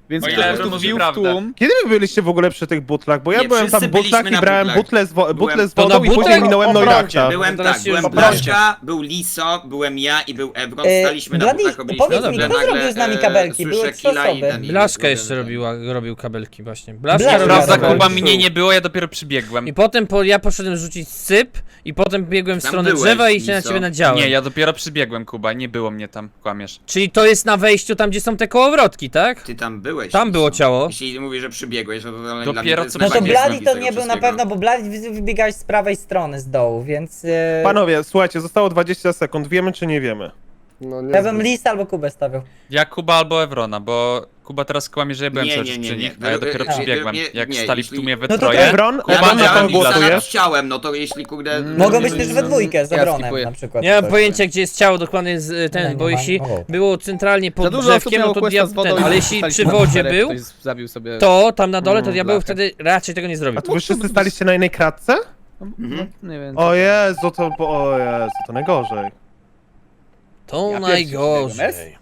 [SPEAKER 6] Więc
[SPEAKER 7] O
[SPEAKER 6] po
[SPEAKER 7] ile
[SPEAKER 6] prostu
[SPEAKER 7] to może
[SPEAKER 6] wbił w
[SPEAKER 7] prawda.
[SPEAKER 6] tłum.
[SPEAKER 4] Kiedy wy byliście w ogóle przy tych butlach? Bo ja
[SPEAKER 5] Nie,
[SPEAKER 4] byłem tam
[SPEAKER 5] wszyscy
[SPEAKER 4] w butlach
[SPEAKER 5] byliśmy
[SPEAKER 4] i
[SPEAKER 5] na
[SPEAKER 4] brałem
[SPEAKER 5] butlach.
[SPEAKER 4] butle z, wo-
[SPEAKER 5] Byłem-
[SPEAKER 4] butle z
[SPEAKER 1] To
[SPEAKER 4] wodą
[SPEAKER 1] na
[SPEAKER 4] i później
[SPEAKER 1] butlach?
[SPEAKER 4] minąłem
[SPEAKER 2] O
[SPEAKER 4] Noirakta.
[SPEAKER 2] brodzie.
[SPEAKER 5] Byłem
[SPEAKER 1] teraz
[SPEAKER 5] tak,
[SPEAKER 1] się
[SPEAKER 5] byłem
[SPEAKER 1] już
[SPEAKER 5] Blaszka, był Liso, byłem ja i był Ebron,
[SPEAKER 8] E,
[SPEAKER 5] staliśmy na
[SPEAKER 8] Bladi,
[SPEAKER 5] butlach, robiliśmy
[SPEAKER 8] powiedz
[SPEAKER 1] mi,
[SPEAKER 5] nagle,
[SPEAKER 8] kto zrobił z nami
[SPEAKER 5] e,
[SPEAKER 8] kabelki?
[SPEAKER 5] słyszę
[SPEAKER 8] Były trzy
[SPEAKER 5] killa i
[SPEAKER 8] osoby.
[SPEAKER 5] ten- i
[SPEAKER 1] Blaszka
[SPEAKER 5] robiłem
[SPEAKER 1] jeszcze
[SPEAKER 5] ten.
[SPEAKER 1] robiła, robił kabelki właśnie. Blaszka
[SPEAKER 8] Blaszka
[SPEAKER 1] robiła
[SPEAKER 7] Prawda,
[SPEAKER 8] Dobra,
[SPEAKER 7] Kuba
[SPEAKER 1] kabelki.
[SPEAKER 7] mnie nie było, ja dopiero przybiegłem.
[SPEAKER 1] I potem po, ja poszedłem rzucić syp i potem biegłem w
[SPEAKER 5] Tam
[SPEAKER 1] stronę
[SPEAKER 5] byłeś,
[SPEAKER 1] drzewa i się na
[SPEAKER 5] Liso.
[SPEAKER 1] ciebie nadziałem.
[SPEAKER 7] Nie, ja dopiero przybiegłem, Kuba, nie było mnie tam, kłamiesz.
[SPEAKER 1] Czyli to jest na wejściu tam, gdzie są te kołowrotki, tak?
[SPEAKER 5] Ty tam byłeś.
[SPEAKER 1] Tam
[SPEAKER 5] Liso.
[SPEAKER 1] było ciało.
[SPEAKER 5] Jeśli mówisz, że przybiegłeś, to, to dla
[SPEAKER 7] Dopiero
[SPEAKER 5] mnie to jest
[SPEAKER 7] co
[SPEAKER 8] No to
[SPEAKER 5] mega
[SPEAKER 7] przybiegłem.
[SPEAKER 8] Bladi
[SPEAKER 5] nieznośne
[SPEAKER 8] to
[SPEAKER 5] tego
[SPEAKER 8] nie był na
[SPEAKER 5] wszystkiego.
[SPEAKER 8] pewno, bo Bladi wy- wybiegałeś z prawej strony, z dołu, więc... E,
[SPEAKER 4] Panowie, słuchajcie, zostało dwadzieścia sekund. Wiemy czy nie wiemy?
[SPEAKER 3] No, nie
[SPEAKER 8] ja bym
[SPEAKER 3] znam.
[SPEAKER 8] Lisa albo Kubę stawiał.
[SPEAKER 7] Ja Kuba albo Evrona, bo Kuba teraz kłamie, że ja byłem
[SPEAKER 5] Nie,
[SPEAKER 7] cały
[SPEAKER 5] nie,
[SPEAKER 7] czas
[SPEAKER 5] nie,
[SPEAKER 7] przy
[SPEAKER 5] nie.
[SPEAKER 7] nich, a ja dopiero
[SPEAKER 5] Nie,
[SPEAKER 7] przybiegłem.
[SPEAKER 5] nie,
[SPEAKER 7] Jak
[SPEAKER 5] nie,
[SPEAKER 7] stali w
[SPEAKER 5] jeśli-
[SPEAKER 7] tłumie we
[SPEAKER 8] No to
[SPEAKER 7] troje.
[SPEAKER 4] Ebron,
[SPEAKER 5] Ja
[SPEAKER 4] Ebron,
[SPEAKER 5] mam
[SPEAKER 4] na
[SPEAKER 5] ja
[SPEAKER 4] kogo
[SPEAKER 5] mam Lisa nad
[SPEAKER 4] głosujesz?
[SPEAKER 5] ciałem, no to jeśli kurde...
[SPEAKER 6] Mm,
[SPEAKER 8] Mogą
[SPEAKER 6] nie,
[SPEAKER 8] być
[SPEAKER 6] nie,
[SPEAKER 8] też
[SPEAKER 6] nie,
[SPEAKER 8] we
[SPEAKER 6] nie.
[SPEAKER 8] dwójkę z
[SPEAKER 6] Ja
[SPEAKER 8] Ebronem
[SPEAKER 6] skipuję.
[SPEAKER 8] na przykład.
[SPEAKER 1] Nie mam
[SPEAKER 8] coś.
[SPEAKER 1] pojęcia, gdzie jest ciało dokładnie z y, ten,
[SPEAKER 8] Nie,
[SPEAKER 1] bo
[SPEAKER 8] nie ma.
[SPEAKER 1] jeśli
[SPEAKER 8] O.
[SPEAKER 1] było centralnie
[SPEAKER 6] Za
[SPEAKER 1] pod
[SPEAKER 6] dużo osób
[SPEAKER 1] drzewkiem,
[SPEAKER 6] miało
[SPEAKER 1] no to
[SPEAKER 6] questa
[SPEAKER 1] dia-
[SPEAKER 6] z wodą
[SPEAKER 1] ten,
[SPEAKER 6] i
[SPEAKER 1] ale jeśli
[SPEAKER 6] staliśmy
[SPEAKER 1] przy
[SPEAKER 6] na
[SPEAKER 1] wodzie
[SPEAKER 6] czterech,
[SPEAKER 1] był,
[SPEAKER 6] ktoś zabił sobie...
[SPEAKER 1] to tam na dole, to
[SPEAKER 6] Mm,
[SPEAKER 1] diabeł
[SPEAKER 6] blachę.
[SPEAKER 1] wtedy raczej tego nie zrobił.
[SPEAKER 4] A to wy wszyscy staliście na jednej kratce?
[SPEAKER 5] Mhm.
[SPEAKER 6] Nie wiem.
[SPEAKER 4] O Jezu, to, bo- o Jezu, to najgorzej.
[SPEAKER 1] To
[SPEAKER 6] Ja pierwszy przybiegłem,
[SPEAKER 1] najgorzej.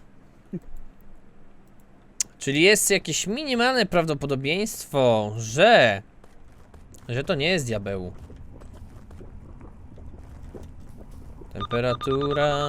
[SPEAKER 1] Czyli jest jakieś minimalne prawdopodobieństwo, że... że to nie jest diabeł. Temperatura...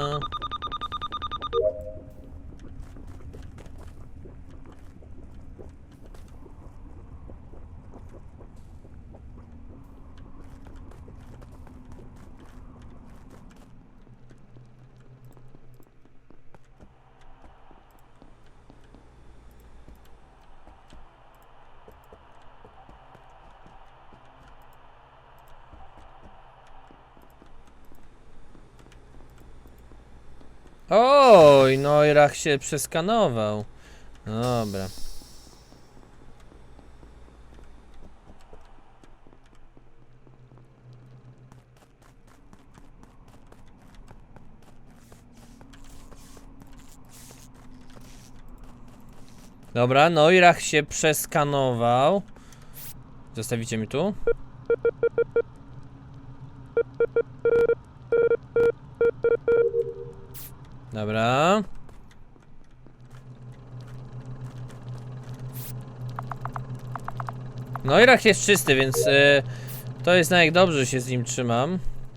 [SPEAKER 1] Oj, Neurach się przeskanował. Dobra. Dobra, Neurach się przeskanował. Zostawicie mi tu? Dobra. No i Rach jest czysty, więc y, to jest na jak dobrze, że się z nim trzymam.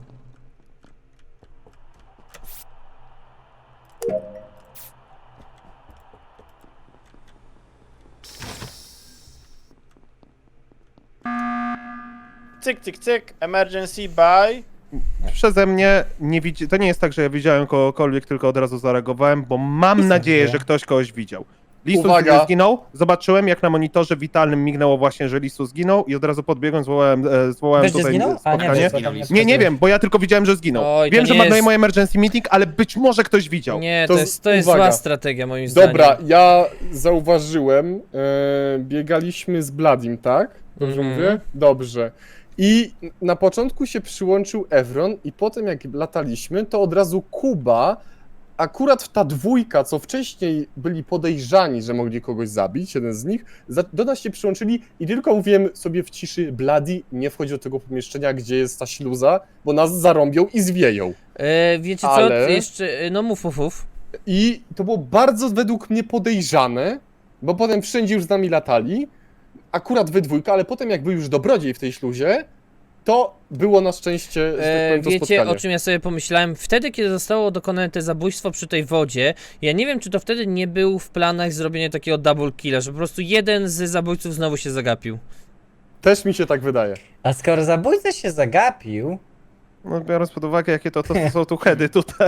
[SPEAKER 2] Cyk, cyk, cyk, emergency buy.
[SPEAKER 4] Przeze mnie nie widzi... To nie jest tak, że ja widziałem kogokolwiek, tylko od razu zareagowałem, bo mam nadzieję, że ktoś kogoś widział. Lisus
[SPEAKER 3] Uwaga.
[SPEAKER 4] zginął, zobaczyłem jak na monitorze witalnym mignęło właśnie, że Lisus zginął i od razu podbiegłem, zwołałem, e, zwołałem
[SPEAKER 8] Wiesz, że
[SPEAKER 4] tutaj
[SPEAKER 8] zginął? A nie,
[SPEAKER 4] spotkanie.
[SPEAKER 8] wiesz,
[SPEAKER 5] Zginął
[SPEAKER 8] tam
[SPEAKER 5] Lisus.
[SPEAKER 4] Nie, nie wiem, bo ja tylko widziałem, że zginął.
[SPEAKER 1] Oj, to
[SPEAKER 4] wiem, że
[SPEAKER 1] nie
[SPEAKER 4] marnuje
[SPEAKER 1] jest-
[SPEAKER 4] mój emergency meeting, ale być może ktoś widział.
[SPEAKER 1] Nie,
[SPEAKER 3] To
[SPEAKER 1] to
[SPEAKER 3] z-
[SPEAKER 1] jest, to jest
[SPEAKER 3] uwaga.
[SPEAKER 1] zła strategia moim zdaniem.
[SPEAKER 3] Dobra, ja zauważyłem, e, biegaliśmy z Bladim, tak? Dobrze
[SPEAKER 1] Mhm.
[SPEAKER 3] mówię? Dobrze. I na początku się przyłączył Evron i potem jak lataliśmy, to od razu Kuba, akurat ta dwójka, co wcześniej byli podejrzani, że mogli kogoś zabić, jeden z nich, za- do nas się przyłączyli i tylko mówiłem sobie w ciszy, Bladi, nie wchodź do tego pomieszczenia, gdzie jest ta śluza, bo nas zarąbią i zwieją.
[SPEAKER 1] E, wiecie co,
[SPEAKER 3] Ale-
[SPEAKER 1] jeszcze, e, no mów, mów, mów.
[SPEAKER 3] I to było bardzo według mnie podejrzane, bo potem wszędzie już z nami latali, akurat we dwójkę, ale potem jak był już dobrodziej w tej śluzie, to było na szczęście, że tak
[SPEAKER 1] E,
[SPEAKER 3] powiem, to
[SPEAKER 1] wiecie,
[SPEAKER 3] spotkanie.
[SPEAKER 1] o czym ja sobie pomyślałem? Wtedy, kiedy zostało dokonane to zabójstwo przy tej wodzie, ja nie wiem, czy to wtedy nie był w planach zrobienia takiego double killa, że po prostu jeden z zabójców znowu się zagapił.
[SPEAKER 3] Też mi się tak wydaje.
[SPEAKER 8] A skoro zabójca się zagapił,
[SPEAKER 4] No, biorąc pod uwagę, jakie to, to, to są tu heady tutaj.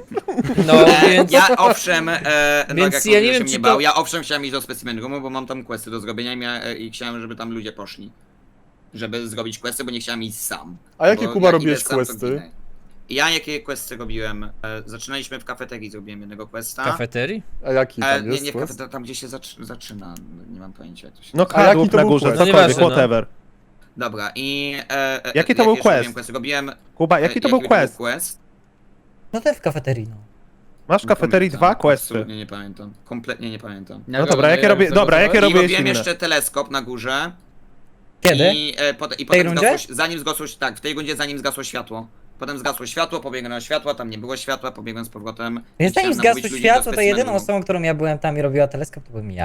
[SPEAKER 1] No,
[SPEAKER 5] E,
[SPEAKER 1] więc...
[SPEAKER 5] Ja owszem, e, no
[SPEAKER 1] Więc
[SPEAKER 5] jak
[SPEAKER 1] ja nie
[SPEAKER 5] mówię, że
[SPEAKER 1] wiem,
[SPEAKER 5] mnie
[SPEAKER 1] czy to-
[SPEAKER 5] bał, ja owszem chciałem iść do specimen roomu, bo mam tam questy do zrobienia i, mia, e, i chciałem, żeby tam ludzie poszli. Żeby zrobić questy, bo nie chciałem iść sam.
[SPEAKER 3] A jakie,
[SPEAKER 5] Bo
[SPEAKER 3] Kuba,
[SPEAKER 5] jak
[SPEAKER 3] robiłeś
[SPEAKER 5] idę sam, to
[SPEAKER 3] questy?
[SPEAKER 5] ginę. Ja jakie questy robiłem? E, zaczynaliśmy w kafeterii, zrobiłem jednego questa.
[SPEAKER 1] Kafeterii?
[SPEAKER 3] A jaki
[SPEAKER 5] E,
[SPEAKER 3] tam
[SPEAKER 5] nie,
[SPEAKER 3] jest
[SPEAKER 5] nie w
[SPEAKER 3] quest?
[SPEAKER 5] kafeterii, tam gdzie się zaczy, zaczyna, nie mam pojęcia jak to się
[SPEAKER 4] No
[SPEAKER 5] nazywa.
[SPEAKER 3] A jaki
[SPEAKER 4] kadłub
[SPEAKER 3] to
[SPEAKER 4] na
[SPEAKER 3] był
[SPEAKER 4] górze,
[SPEAKER 3] quest?
[SPEAKER 4] cokolwiek,
[SPEAKER 1] Nieważne, no.
[SPEAKER 4] whatever.
[SPEAKER 5] Dobra, i... E, e,
[SPEAKER 4] Jaki to był
[SPEAKER 5] jeszcze robiłem
[SPEAKER 4] quest?
[SPEAKER 5] questy? Robiłem...
[SPEAKER 4] Kuba, jaki to
[SPEAKER 5] e,
[SPEAKER 4] był quest?
[SPEAKER 5] quest?
[SPEAKER 8] no to w kafeterii, no.
[SPEAKER 4] Masz w kafeterii
[SPEAKER 5] pamiętam,
[SPEAKER 4] dwa questy.
[SPEAKER 5] Absolutnie nie pamiętam. Kompletnie nie pamiętam.
[SPEAKER 4] No dobra, jakie robię, dobra, jakie
[SPEAKER 5] I
[SPEAKER 4] robiłeś
[SPEAKER 5] robiłem
[SPEAKER 4] inne?
[SPEAKER 5] jeszcze teleskop na górze.
[SPEAKER 8] Kiedy?
[SPEAKER 5] I, e, pot, i
[SPEAKER 8] tej
[SPEAKER 5] potem
[SPEAKER 8] rundzie?
[SPEAKER 5] zgasło, zanim zgasło, tak, w tej rundzie zanim zgasło światło. Potem zgasło światło, pobiegłem na światło, tam nie było światła, pobiegłem z powrotem.
[SPEAKER 8] Więc
[SPEAKER 5] i
[SPEAKER 8] zanim
[SPEAKER 5] chciałem namówić
[SPEAKER 8] zgasło
[SPEAKER 5] ludzi do
[SPEAKER 8] światło, to
[SPEAKER 5] specimen
[SPEAKER 8] jedyną
[SPEAKER 5] roomu.
[SPEAKER 8] osobą, którą ja byłem tam i robiła teleskop, to byłem ja.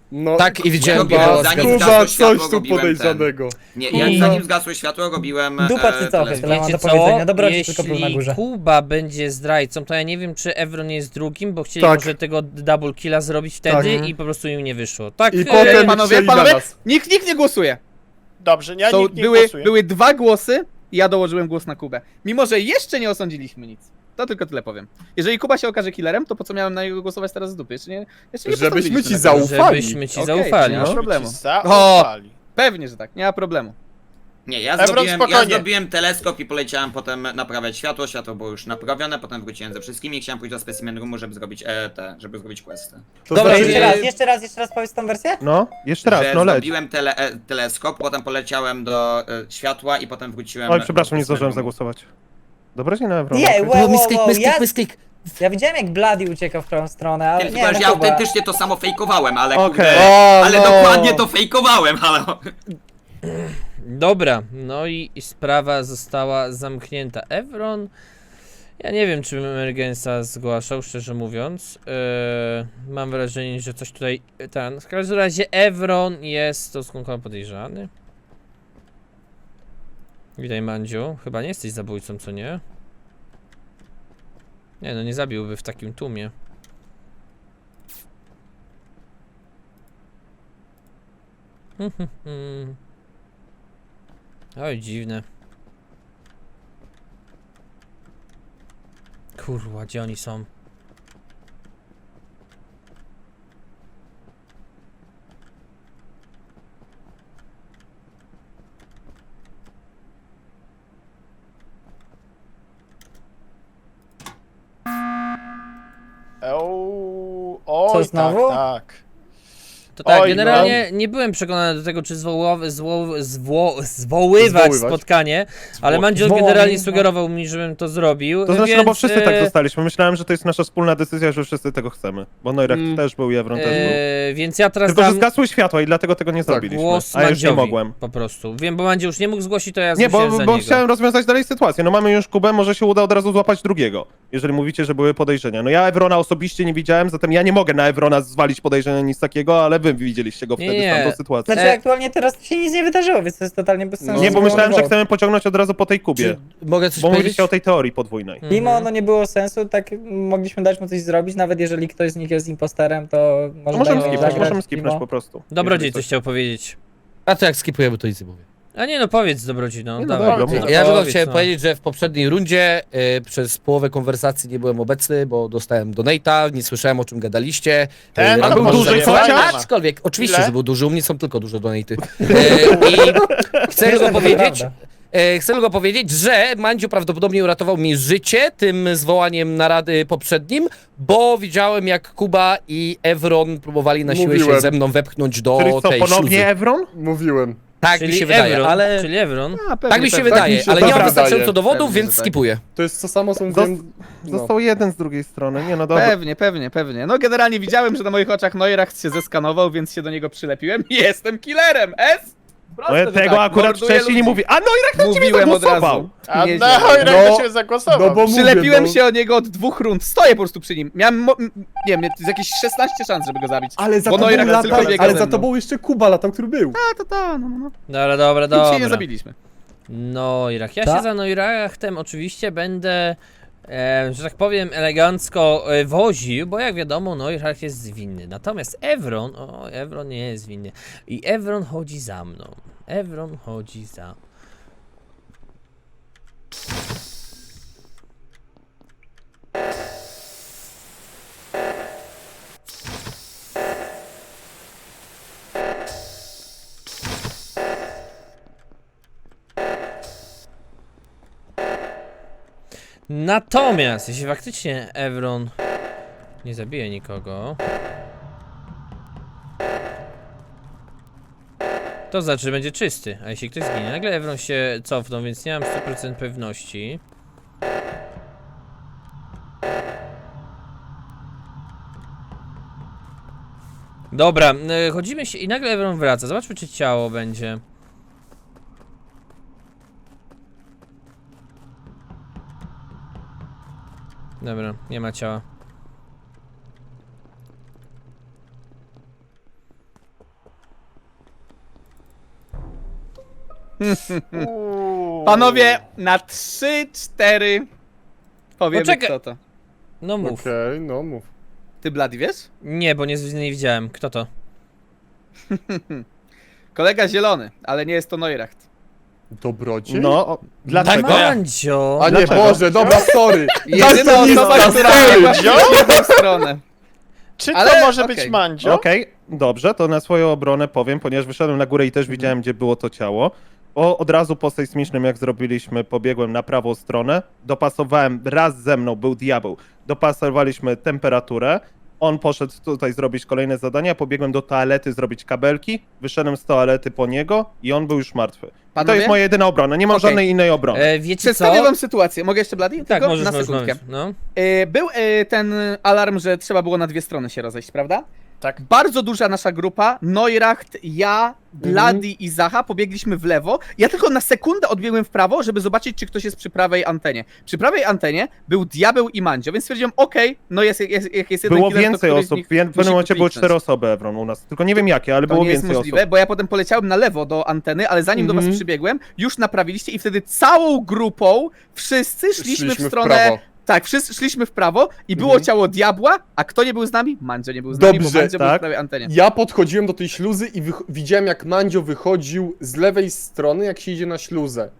[SPEAKER 3] No,
[SPEAKER 9] Tak, i widziałem
[SPEAKER 5] robiłem,
[SPEAKER 9] go.
[SPEAKER 5] zanim
[SPEAKER 3] Kuba,
[SPEAKER 5] zgasło światło,
[SPEAKER 3] coś tu
[SPEAKER 5] robiłem
[SPEAKER 3] podejrzanego.
[SPEAKER 5] Ten. Nie, ja
[SPEAKER 1] I-
[SPEAKER 5] zanim zgasło światło, robiłem.
[SPEAKER 8] Dupa
[SPEAKER 5] e,
[SPEAKER 8] cycochy,
[SPEAKER 5] teleskop.
[SPEAKER 8] tyle mam
[SPEAKER 1] Wiecie
[SPEAKER 8] do
[SPEAKER 1] co?
[SPEAKER 8] powiedzenia. Dobrodziej tylko był na
[SPEAKER 1] Jeśli
[SPEAKER 8] górze.
[SPEAKER 1] Kuba będzie zdrajcą, to ja nie wiem, czy Evron jest drugim, bo chcieli
[SPEAKER 3] Tak.
[SPEAKER 1] może tego double killa zrobić wtedy
[SPEAKER 3] Tak.
[SPEAKER 1] i po prostu im nie wyszło. Tak,
[SPEAKER 3] I
[SPEAKER 1] e,
[SPEAKER 3] potem
[SPEAKER 6] panowie,
[SPEAKER 3] chcieli na
[SPEAKER 6] panowie,
[SPEAKER 3] nas.
[SPEAKER 6] nikt, nikt nie głosuje.
[SPEAKER 2] Dobrze, ja
[SPEAKER 6] To
[SPEAKER 2] nikt nie
[SPEAKER 6] były,
[SPEAKER 2] głosuję.
[SPEAKER 6] były dwa głosy i ja dołożyłem głos na Kubę. Mimo, że jeszcze nie osądziliśmy nic. To tylko tyle powiem. Jeżeli Kuba się okaże killerem, to po co miałem na niego głosować teraz z dupy? Jeszcze nie, jeszcze nie
[SPEAKER 3] Żebyśmy ci
[SPEAKER 6] postawiliśmy na
[SPEAKER 3] zaufali.
[SPEAKER 1] żebyśmy ci
[SPEAKER 6] Okej,
[SPEAKER 1] zaufali.
[SPEAKER 6] nie ma
[SPEAKER 1] No.
[SPEAKER 6] problemu.
[SPEAKER 2] Zaufali.
[SPEAKER 6] Pewnie, że tak, nie ma problemu.
[SPEAKER 5] Nie, ja
[SPEAKER 2] Evron,
[SPEAKER 5] zrobiłem, ja
[SPEAKER 2] spokojnie.
[SPEAKER 5] zrobiłem teleskop i poleciałem potem naprawiać światło. Światło było już naprawione, potem wróciłem ze wszystkimi i chciałem pójść do specimen roomu, żeby zrobić e, te, żeby zrobić questy.
[SPEAKER 3] To
[SPEAKER 9] Dobra,
[SPEAKER 3] znaczy,
[SPEAKER 8] Jeszcze
[SPEAKER 9] nie-
[SPEAKER 8] raz, jeszcze raz, jeszcze raz powiedz tą wersję?
[SPEAKER 4] No, jeszcze raz,
[SPEAKER 5] że
[SPEAKER 4] no leć.
[SPEAKER 5] zrobiłem tele, e, teleskop, potem poleciałem do e, światła i potem wróciłem.
[SPEAKER 4] Oj, przepraszam, nie
[SPEAKER 5] do
[SPEAKER 4] zdążyłem
[SPEAKER 5] specimen roomu.
[SPEAKER 4] zagłosować. Dobrodziej na Evrona.
[SPEAKER 8] Nie,
[SPEAKER 4] okej.
[SPEAKER 8] wow, wow,
[SPEAKER 9] Misklik,
[SPEAKER 8] wow,
[SPEAKER 9] misklik,
[SPEAKER 8] ja,
[SPEAKER 9] misklik.
[SPEAKER 8] ja widziałem jak Bloody uciekał w którą stronę, ale
[SPEAKER 5] Tylko,
[SPEAKER 8] nie,
[SPEAKER 5] że
[SPEAKER 8] no
[SPEAKER 5] ja
[SPEAKER 8] Kuba.
[SPEAKER 5] autentycznie to samo fejkowałem, ale
[SPEAKER 4] Okej.
[SPEAKER 5] kurde,
[SPEAKER 3] O,
[SPEAKER 5] ale
[SPEAKER 3] no.
[SPEAKER 5] dokładnie to fejkowałem, ale...
[SPEAKER 1] Dobra, no i i sprawa została zamknięta. Evron, ja nie wiem, czy bym Emergensa zgłaszał, szczerze mówiąc. Yy, mam wrażenie, że coś tutaj, ten, w każdym razie Evron jest stosunkowo podejrzany. Witaj, Mandziu, chyba nie jesteś zabójcą, co nie? Nie, no nie zabiłby w takim tłumie. Oj, dziwne. Kurwa, gdzie oni są?
[SPEAKER 2] Euu, oj,
[SPEAKER 8] Co, znowu?
[SPEAKER 2] tak, tak.
[SPEAKER 1] To tak,
[SPEAKER 2] Oj,
[SPEAKER 1] generalnie nie byłem przekonany do tego, czy zwołowy, zwo, zwo, zwoływać
[SPEAKER 3] Zwoływać.
[SPEAKER 1] spotkanie, ale Mandziel
[SPEAKER 8] Zwołani,
[SPEAKER 1] generalnie
[SPEAKER 8] no.
[SPEAKER 1] sugerował mi, żebym to zrobił.
[SPEAKER 4] To znaczy,
[SPEAKER 1] więc,
[SPEAKER 4] no bo wszyscy tak
[SPEAKER 1] e,
[SPEAKER 4] zostaliśmy. Myślałem, że to jest nasza wspólna decyzja, że wszyscy tego chcemy. Bo Noirak
[SPEAKER 3] Mm.
[SPEAKER 4] też był i Evron też był.
[SPEAKER 1] e, Więc ja teraz
[SPEAKER 4] Tylko, że
[SPEAKER 1] dam
[SPEAKER 4] zgasły światła i dlatego tego nie
[SPEAKER 3] Tak,
[SPEAKER 4] zrobiliśmy.
[SPEAKER 1] głos
[SPEAKER 4] A ja już nie
[SPEAKER 1] Mandziowi
[SPEAKER 4] mogłem.
[SPEAKER 1] po prostu. Wiem, bo Mandziel już nie mógł zgłosić, to ja
[SPEAKER 4] Nie,
[SPEAKER 1] zgłosiłem
[SPEAKER 4] bo,
[SPEAKER 1] za
[SPEAKER 4] bo
[SPEAKER 1] niego.
[SPEAKER 4] chciałem rozwiązać dalej sytuację. No mamy już Kubę, może się uda od razu złapać drugiego. Jeżeli mówicie, że były podejrzenia. No ja Evrona osobiście nie widziałem, zatem ja nie mogę na Evrona zwalić podejrzenia nic takiego, ale wy widzieliście go
[SPEAKER 1] Nie,
[SPEAKER 4] wtedy
[SPEAKER 1] nie.
[SPEAKER 4] w tamtą sytuację.
[SPEAKER 8] Znaczy
[SPEAKER 1] E-
[SPEAKER 8] aktualnie teraz się nic nie wydarzyło, więc to jest totalnie bez sensu.
[SPEAKER 4] Nie, bo
[SPEAKER 8] żeby
[SPEAKER 4] myślałem, że
[SPEAKER 8] było.
[SPEAKER 4] chcemy pociągnąć od razu po tej Kubie.
[SPEAKER 9] Czy mogę coś
[SPEAKER 4] Bo
[SPEAKER 9] powiedzieć?
[SPEAKER 4] mówiliście o tej teorii podwójnej.
[SPEAKER 1] Mhm.
[SPEAKER 8] Mimo no nie było sensu, tak mogliśmy dać mu coś zrobić, nawet jeżeli ktoś z nich jest imposterem, to może
[SPEAKER 4] To możemy
[SPEAKER 8] dajmy mu
[SPEAKER 4] skipnąć,
[SPEAKER 8] zagrać
[SPEAKER 4] możemy skipnąć
[SPEAKER 8] mimo.
[SPEAKER 4] po prostu.
[SPEAKER 1] Dobrodziej
[SPEAKER 4] Jeżeli
[SPEAKER 1] coś chciał powiedzieć.
[SPEAKER 9] A to jak skipujemy, to nic nie mówię.
[SPEAKER 1] A nie no, powiedz Dobrodziej, no,
[SPEAKER 4] Nie, no
[SPEAKER 1] dawaj.
[SPEAKER 4] dobra,
[SPEAKER 1] No,
[SPEAKER 4] mów.
[SPEAKER 9] Ja tylko
[SPEAKER 1] powiedz,
[SPEAKER 9] chciałem
[SPEAKER 1] no.
[SPEAKER 9] powiedzieć, że w poprzedniej rundzie y, przez połowę konwersacji nie byłem obecny, bo dostałem donate'a, nie słyszałem o czym gadaliście.
[SPEAKER 2] Ten
[SPEAKER 9] Y,
[SPEAKER 2] to
[SPEAKER 4] był
[SPEAKER 2] może
[SPEAKER 4] duży,
[SPEAKER 2] nie
[SPEAKER 4] co?
[SPEAKER 2] ma, nie ma.
[SPEAKER 9] Aczkolwiek, oczywiście,
[SPEAKER 2] Ile?
[SPEAKER 9] że był duży, u mnie są tylko duże donate'y. Y, I chcę
[SPEAKER 8] Wiesz,
[SPEAKER 9] tylko
[SPEAKER 8] że to
[SPEAKER 9] powiedzieć,
[SPEAKER 8] prawda.
[SPEAKER 9] e, chcę tylko powiedzieć, że Mandziu prawdopodobnie uratował mi życie tym zwołaniem narady poprzednim, bo widziałem jak Kuba i Evron próbowali na siłę się
[SPEAKER 3] Mówiłem.
[SPEAKER 9] ze mną wepchnąć do
[SPEAKER 4] Czyli co,
[SPEAKER 9] tej
[SPEAKER 4] ponownie
[SPEAKER 9] śluzy.
[SPEAKER 4] Evron?
[SPEAKER 3] Mówiłem.
[SPEAKER 9] Tak
[SPEAKER 1] Czyli
[SPEAKER 9] mi się wydaje,
[SPEAKER 1] Evron,
[SPEAKER 9] ale...
[SPEAKER 1] Czyli Evron.
[SPEAKER 6] A, pewnie,
[SPEAKER 9] Tak mi się
[SPEAKER 6] pewnie.
[SPEAKER 9] wydaje,
[SPEAKER 3] mi się
[SPEAKER 9] ale
[SPEAKER 3] też
[SPEAKER 9] nie mam
[SPEAKER 3] wydaje.
[SPEAKER 9] wystarczająco dowodów,
[SPEAKER 6] Pewnie,
[SPEAKER 9] więc
[SPEAKER 6] że tak.
[SPEAKER 9] skipuję.
[SPEAKER 3] To jest to samo, co
[SPEAKER 4] Zos-
[SPEAKER 3] mówiłem... No.
[SPEAKER 4] Został jeden z drugiej strony. Nie no dobra.
[SPEAKER 6] Pewnie, pewnie, pewnie. No generalnie widziałem, że na moich oczach Neuracht się zeskanował, więc się do niego przylepiłem i jestem killerem, S! Proste,
[SPEAKER 4] No ja
[SPEAKER 6] że
[SPEAKER 4] tego
[SPEAKER 6] tak,
[SPEAKER 4] akurat
[SPEAKER 6] morduję
[SPEAKER 4] wcześniej nie
[SPEAKER 6] ludzi.
[SPEAKER 4] mówi. A Noirak na ciebie
[SPEAKER 6] Mówiłem od
[SPEAKER 4] zagłosował!
[SPEAKER 6] razu.
[SPEAKER 2] A
[SPEAKER 6] Nieźle.
[SPEAKER 2] na Hojrego
[SPEAKER 3] No,
[SPEAKER 2] się zagłosował.
[SPEAKER 3] no bo mówię,
[SPEAKER 6] Przylepiłem
[SPEAKER 3] no.
[SPEAKER 6] się od niego od dwóch rund, stoję po prostu przy nim. Miałem, mo- m- nie wiem, z jakieś szesnaście szans, żeby go zabić.
[SPEAKER 3] Ale za
[SPEAKER 6] Bo
[SPEAKER 3] tobą
[SPEAKER 6] Neuracht
[SPEAKER 3] latał,
[SPEAKER 6] tylko biega
[SPEAKER 3] ale
[SPEAKER 6] ze
[SPEAKER 3] za
[SPEAKER 6] mną.
[SPEAKER 3] tobą jeszcze Kuba latał, który był.
[SPEAKER 6] A, to to, no, no, no.
[SPEAKER 1] Dobra, dobra,
[SPEAKER 6] Nic się nie
[SPEAKER 1] dobra.
[SPEAKER 6] zabiliśmy.
[SPEAKER 1] Noirak. Ja
[SPEAKER 8] Ta?
[SPEAKER 1] się za Noirachtem oczywiście będę, e, że tak powiem, elegancko e, woził, bo jak wiadomo, Noirach jest winny. Natomiast Evron, o, Evron nie jest winny. I Evron chodzi za mną. Evron chodzi za... Natomiast, jeśli faktycznie Evron nie zabije nikogo, to znaczy, że będzie czysty, a jeśli ktoś zginie, nagle Evron się cofnął, więc nie mam sto procent pewności. Dobra, y, chodzimy się i nagle Evron wraca, zobaczmy czy ciało będzie. Dobra, nie ma ciała.
[SPEAKER 2] Uuu.
[SPEAKER 6] Panowie, na trzy, cztery powiemy
[SPEAKER 1] Poczekaj.
[SPEAKER 6] kto to.
[SPEAKER 1] No mów.
[SPEAKER 3] Okej, no mów.
[SPEAKER 6] Ty, Blady, wiesz?
[SPEAKER 1] Nie, bo nie, nie widziałem. Kto to?
[SPEAKER 6] Kolega zielony, ale nie jest to Neuracht.
[SPEAKER 3] Dobrodziej?
[SPEAKER 4] No, o, dlaczego?
[SPEAKER 1] Mandzio!
[SPEAKER 3] A nie,
[SPEAKER 4] Dlaczego?
[SPEAKER 3] Boże, dobra, sorry.
[SPEAKER 6] Jedyna osoba,
[SPEAKER 3] Daltonista,
[SPEAKER 6] która
[SPEAKER 3] sorry.
[SPEAKER 6] ma w drugą stronę.
[SPEAKER 2] Czy to
[SPEAKER 6] Ale
[SPEAKER 2] może
[SPEAKER 6] okej.
[SPEAKER 2] być Mandzio?
[SPEAKER 4] Okej, dobrze, to na swoją obronę powiem, ponieważ wyszedłem na górę i też widziałem, gdzie było to ciało. O, od razu po sejsmicznym, jak zrobiliśmy, pobiegłem na prawą stronę, dopasowałem, raz ze mną był diabeł, dopasowaliśmy temperaturę, on poszedł tutaj zrobić kolejne zadania, pobiegłem do toalety zrobić kabelki, wyszedłem z toalety po niego i on był już martwy. I to
[SPEAKER 6] Panowie?
[SPEAKER 4] jest moja jedyna obrona, nie mam
[SPEAKER 6] Okej.
[SPEAKER 4] żadnej innej obrony.
[SPEAKER 1] E, wiecie
[SPEAKER 6] Przedstawię
[SPEAKER 1] co?
[SPEAKER 6] wam sytuację. Mogę jeszcze, Blady?
[SPEAKER 1] Tak,
[SPEAKER 6] Tylko
[SPEAKER 1] możesz,
[SPEAKER 6] na
[SPEAKER 1] możesz,
[SPEAKER 6] sekundkę.
[SPEAKER 1] możesz. No.
[SPEAKER 6] E, Był e, ten alarm, że trzeba było na dwie strony się rozejść, prawda?
[SPEAKER 2] Tak.
[SPEAKER 6] Bardzo duża nasza grupa, Neuracht, ja, Blady i Zacha pobiegliśmy w lewo. Ja tylko na sekundę odbiegłem w prawo, żeby zobaczyć, czy ktoś jest przy prawej antenie. Przy prawej antenie był Diabeł i Mandzio, więc stwierdziłem, okej, no jest, jest, jak jest jeden
[SPEAKER 4] Było
[SPEAKER 6] killer, to
[SPEAKER 4] więcej
[SPEAKER 6] któryś z
[SPEAKER 4] osób,
[SPEAKER 6] nich
[SPEAKER 4] w pewnym
[SPEAKER 6] musi
[SPEAKER 4] momencie były
[SPEAKER 6] kliknąć.
[SPEAKER 4] cztery osoby, Evron, u nas. Tylko nie wiem jakie, ale
[SPEAKER 6] To
[SPEAKER 4] było
[SPEAKER 6] nie jest
[SPEAKER 4] więcej
[SPEAKER 6] możliwe,
[SPEAKER 4] osób.
[SPEAKER 6] bo ja potem poleciałem na lewo do anteny, ale zanim do was
[SPEAKER 4] Mhm.
[SPEAKER 6] przybiegłem, już naprawiliście i wtedy całą grupą wszyscy szliśmy, w stronę...
[SPEAKER 3] prawo.
[SPEAKER 6] Tak, wszyscy szliśmy w prawo i było
[SPEAKER 3] Mhm.
[SPEAKER 6] ciało diabła, a kto nie był z nami? Mandzio nie był z nami,
[SPEAKER 3] Dobrze,
[SPEAKER 6] bo Mandzio był w
[SPEAKER 4] tak.
[SPEAKER 6] prawej antenie.
[SPEAKER 3] Ja podchodziłem do tej śluzy i wych- widziałem, jak Mandzio wychodził z lewej strony, jak się idzie na śluzę.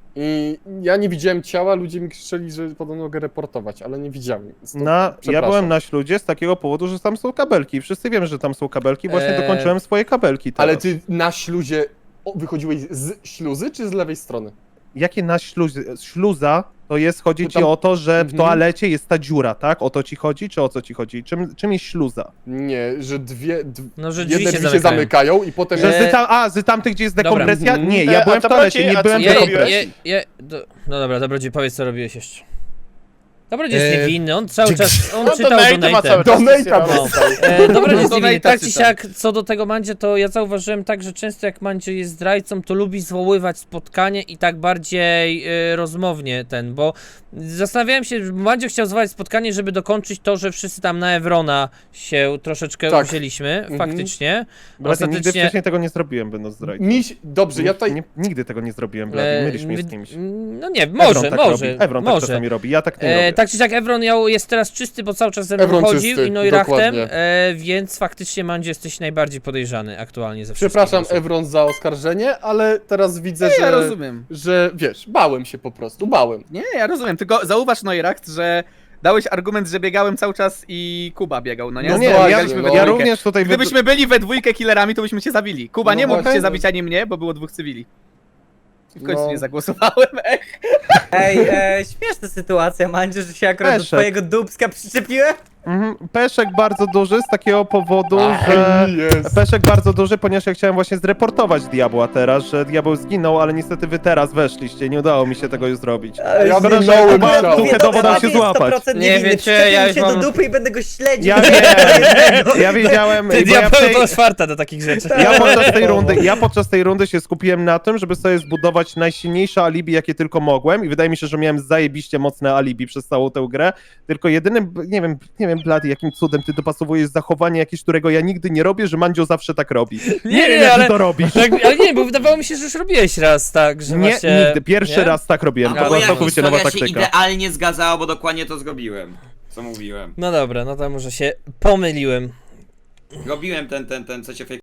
[SPEAKER 3] I ja nie widziałem ciała, ludzie mi krzyczeli, że podobno mogę reportować, ale nie widziałem. Więc to
[SPEAKER 4] Na, ja
[SPEAKER 3] przepraszam.
[SPEAKER 4] byłem na śludzie z takiego powodu, że tam są kabelki. Wszyscy wiemy, że tam są kabelki, właśnie
[SPEAKER 1] Eee,
[SPEAKER 4] dokończyłem swoje kabelki teraz.
[SPEAKER 3] Ale ty na śluzie o, wychodziłeś z śluzy, czy z lewej strony?
[SPEAKER 4] Jakie na śluzie? Śluza to jest, chodzi
[SPEAKER 3] To
[SPEAKER 4] ci
[SPEAKER 3] tam-
[SPEAKER 4] o to, że w
[SPEAKER 3] Mhm.
[SPEAKER 4] toalecie jest ta dziura, tak? O to ci chodzi, czy o co ci chodzi? Czym, czym jest śluza?
[SPEAKER 3] Nie, że dwie. D-
[SPEAKER 1] No, że drzwi
[SPEAKER 3] jedne
[SPEAKER 1] się
[SPEAKER 3] drzwi się
[SPEAKER 1] zamykają.
[SPEAKER 3] zamykają i potem.
[SPEAKER 4] Że
[SPEAKER 1] Eee,
[SPEAKER 4] z tam, a, z tamtych, gdzie jest
[SPEAKER 1] dobra.
[SPEAKER 4] dekompresja?
[SPEAKER 3] Mhm.
[SPEAKER 4] Nie,
[SPEAKER 2] E,
[SPEAKER 4] ja
[SPEAKER 2] a
[SPEAKER 4] byłem w
[SPEAKER 2] to
[SPEAKER 4] toalecie,
[SPEAKER 2] bardziej-
[SPEAKER 4] nie
[SPEAKER 2] a co
[SPEAKER 4] byłem w
[SPEAKER 2] ty
[SPEAKER 1] Je,
[SPEAKER 2] robiłeś?
[SPEAKER 1] je, je, do, no dobra, Dobrodziej, powiedz co robiłeś jeszcze. Dobrodziej jest
[SPEAKER 9] Eee,
[SPEAKER 1] niewinny, on cały czas, on
[SPEAKER 2] No to
[SPEAKER 1] czytał
[SPEAKER 2] Nate ma
[SPEAKER 1] donate'em.
[SPEAKER 2] cały czas
[SPEAKER 3] Donate'a
[SPEAKER 2] misję robić.
[SPEAKER 3] dostał.
[SPEAKER 1] E, dobra, jest
[SPEAKER 6] No,
[SPEAKER 1] niewinny.
[SPEAKER 6] tak
[SPEAKER 1] Tak czy
[SPEAKER 6] czytam.
[SPEAKER 1] siak, co do tego Mandzie, to ja zauważyłem tak, że często jak Mandzie jest zdrajcą, to lubi zwoływać spotkanie i tak bardziej e, rozmownie ten, bo zastanawiałem się, że Mandzie chciał zwołać spotkanie, żeby dokończyć to, że wszyscy tam na Evrona się troszeczkę
[SPEAKER 3] Tak.
[SPEAKER 1] wzięliśmy,
[SPEAKER 3] Mhm.
[SPEAKER 1] faktycznie.
[SPEAKER 4] Właśnie nigdy
[SPEAKER 1] Ostatecznie...
[SPEAKER 4] wcześniej tego nie zrobiłem, będąc zdrajcą.
[SPEAKER 3] Miś, dobrze, ja tutaj.
[SPEAKER 4] nie, nigdy tego nie zrobiłem, Blady,
[SPEAKER 1] e,
[SPEAKER 4] mylisz mnie z
[SPEAKER 1] wy-
[SPEAKER 4] kimś.
[SPEAKER 1] No nie, może,
[SPEAKER 4] Evron tak
[SPEAKER 1] może,
[SPEAKER 4] robi. Evron tak
[SPEAKER 1] może.
[SPEAKER 4] czasami robi, ja tak nie
[SPEAKER 1] E,
[SPEAKER 4] robię.
[SPEAKER 1] tak czy siak Evron miał, jest teraz czysty, bo cały czas ze mną
[SPEAKER 3] Evron
[SPEAKER 1] chodził
[SPEAKER 3] czysty,
[SPEAKER 1] i no i rachtem,
[SPEAKER 3] dokładnie.
[SPEAKER 1] e, więc faktycznie Mandzie jesteś najbardziej podejrzany aktualnie ze wszystkich
[SPEAKER 3] Przepraszam,
[SPEAKER 1] osób.
[SPEAKER 3] Evron, za oskarżenie, ale teraz widzę,
[SPEAKER 6] Nie, ja
[SPEAKER 3] że.
[SPEAKER 6] rozumiem.
[SPEAKER 3] Że wiesz, bałem się po prostu, bałem.
[SPEAKER 6] Nie, ja rozumiem, tylko zauważ, Neuracht, że dałeś argument, że biegałem cały czas i Kuba biegał, no nie?
[SPEAKER 4] No nie,
[SPEAKER 3] właśnie,
[SPEAKER 4] ja,
[SPEAKER 6] Biegaliśmy we
[SPEAKER 3] no.
[SPEAKER 4] ja
[SPEAKER 6] dwójkę.
[SPEAKER 4] również tutaj... wy-
[SPEAKER 6] Gdybyśmy byli we dwójkę killerami, to byśmy cię zabili. Kuba
[SPEAKER 3] No
[SPEAKER 6] nie mógł
[SPEAKER 3] właśnie.
[SPEAKER 6] cię zabić ani mnie, bo było dwóch cywili. I w końcu
[SPEAKER 3] No.
[SPEAKER 6] nie zagłosowałem, ech.
[SPEAKER 8] Ej, e, śmieszna sytuacja, Mandzio, że się akurat do
[SPEAKER 4] Peszek.
[SPEAKER 8] twojego dubska przyczepiłem.
[SPEAKER 4] Mhm, Peszek bardzo duży z takiego powodu, że...
[SPEAKER 3] Jest.
[SPEAKER 4] Peszek bardzo duży, ponieważ ja chciałem właśnie zreportować diabła teraz, że diabeł zginął, ale niestety wy teraz weszliście, nie udało mi się tego już zrobić.
[SPEAKER 8] Ale
[SPEAKER 3] Ja
[SPEAKER 8] że-
[SPEAKER 3] minąłem
[SPEAKER 8] Akurat
[SPEAKER 3] ciało.
[SPEAKER 8] mówię,
[SPEAKER 4] Trochę
[SPEAKER 8] dobra,
[SPEAKER 4] dowodą się
[SPEAKER 8] Blady jest
[SPEAKER 4] złapać.
[SPEAKER 8] sto procent
[SPEAKER 1] Nie
[SPEAKER 8] niewinny,
[SPEAKER 1] wiecie,
[SPEAKER 8] przyczepił
[SPEAKER 1] ja
[SPEAKER 8] mi
[SPEAKER 1] już
[SPEAKER 8] się
[SPEAKER 1] mam-
[SPEAKER 8] do dupy i będę go śledził.
[SPEAKER 4] Ja
[SPEAKER 8] Nie,
[SPEAKER 4] wiem, ja wiedziałem,
[SPEAKER 1] Ty
[SPEAKER 4] bo ja, w
[SPEAKER 1] diabeł
[SPEAKER 4] tej,
[SPEAKER 1] to czwarta do takich rzeczy.
[SPEAKER 4] ja podczas tej rundy, ja podczas tej rundy się skupiłem na tym, żeby sobie zbudować najsilniejsze alibi, jakie tylko mogłem i wydaje mi się, że miałem zajebiście mocne alibi przez całą tę grę, tylko jedynym, nie wiem, nie wiem, Blady, jakim cudem ty dopasowujesz zachowanie jakieś, którego ja nigdy nie robię, że Mandzio zawsze tak robi.
[SPEAKER 1] Nie,
[SPEAKER 4] wiem,
[SPEAKER 1] nie,
[SPEAKER 4] jak
[SPEAKER 1] ale-
[SPEAKER 4] ty to robisz.
[SPEAKER 1] Tak, ale nie, bo wydawało mi się, że już robiłeś raz tak, że
[SPEAKER 4] Nie,
[SPEAKER 1] właśnie...
[SPEAKER 4] nigdy, pierwszy
[SPEAKER 1] nie?
[SPEAKER 4] raz tak robiłem,
[SPEAKER 1] A,
[SPEAKER 4] to
[SPEAKER 1] bo
[SPEAKER 4] była
[SPEAKER 1] ja
[SPEAKER 4] całkowicie nowa
[SPEAKER 5] historia się
[SPEAKER 4] taktyka.
[SPEAKER 5] idealnie zgadzało, bo dokładnie to zrobiłem. Co mówiłem.
[SPEAKER 1] No dobra, no to może się pomyliłem.
[SPEAKER 5] Robiłem ten, ten, ten, co cię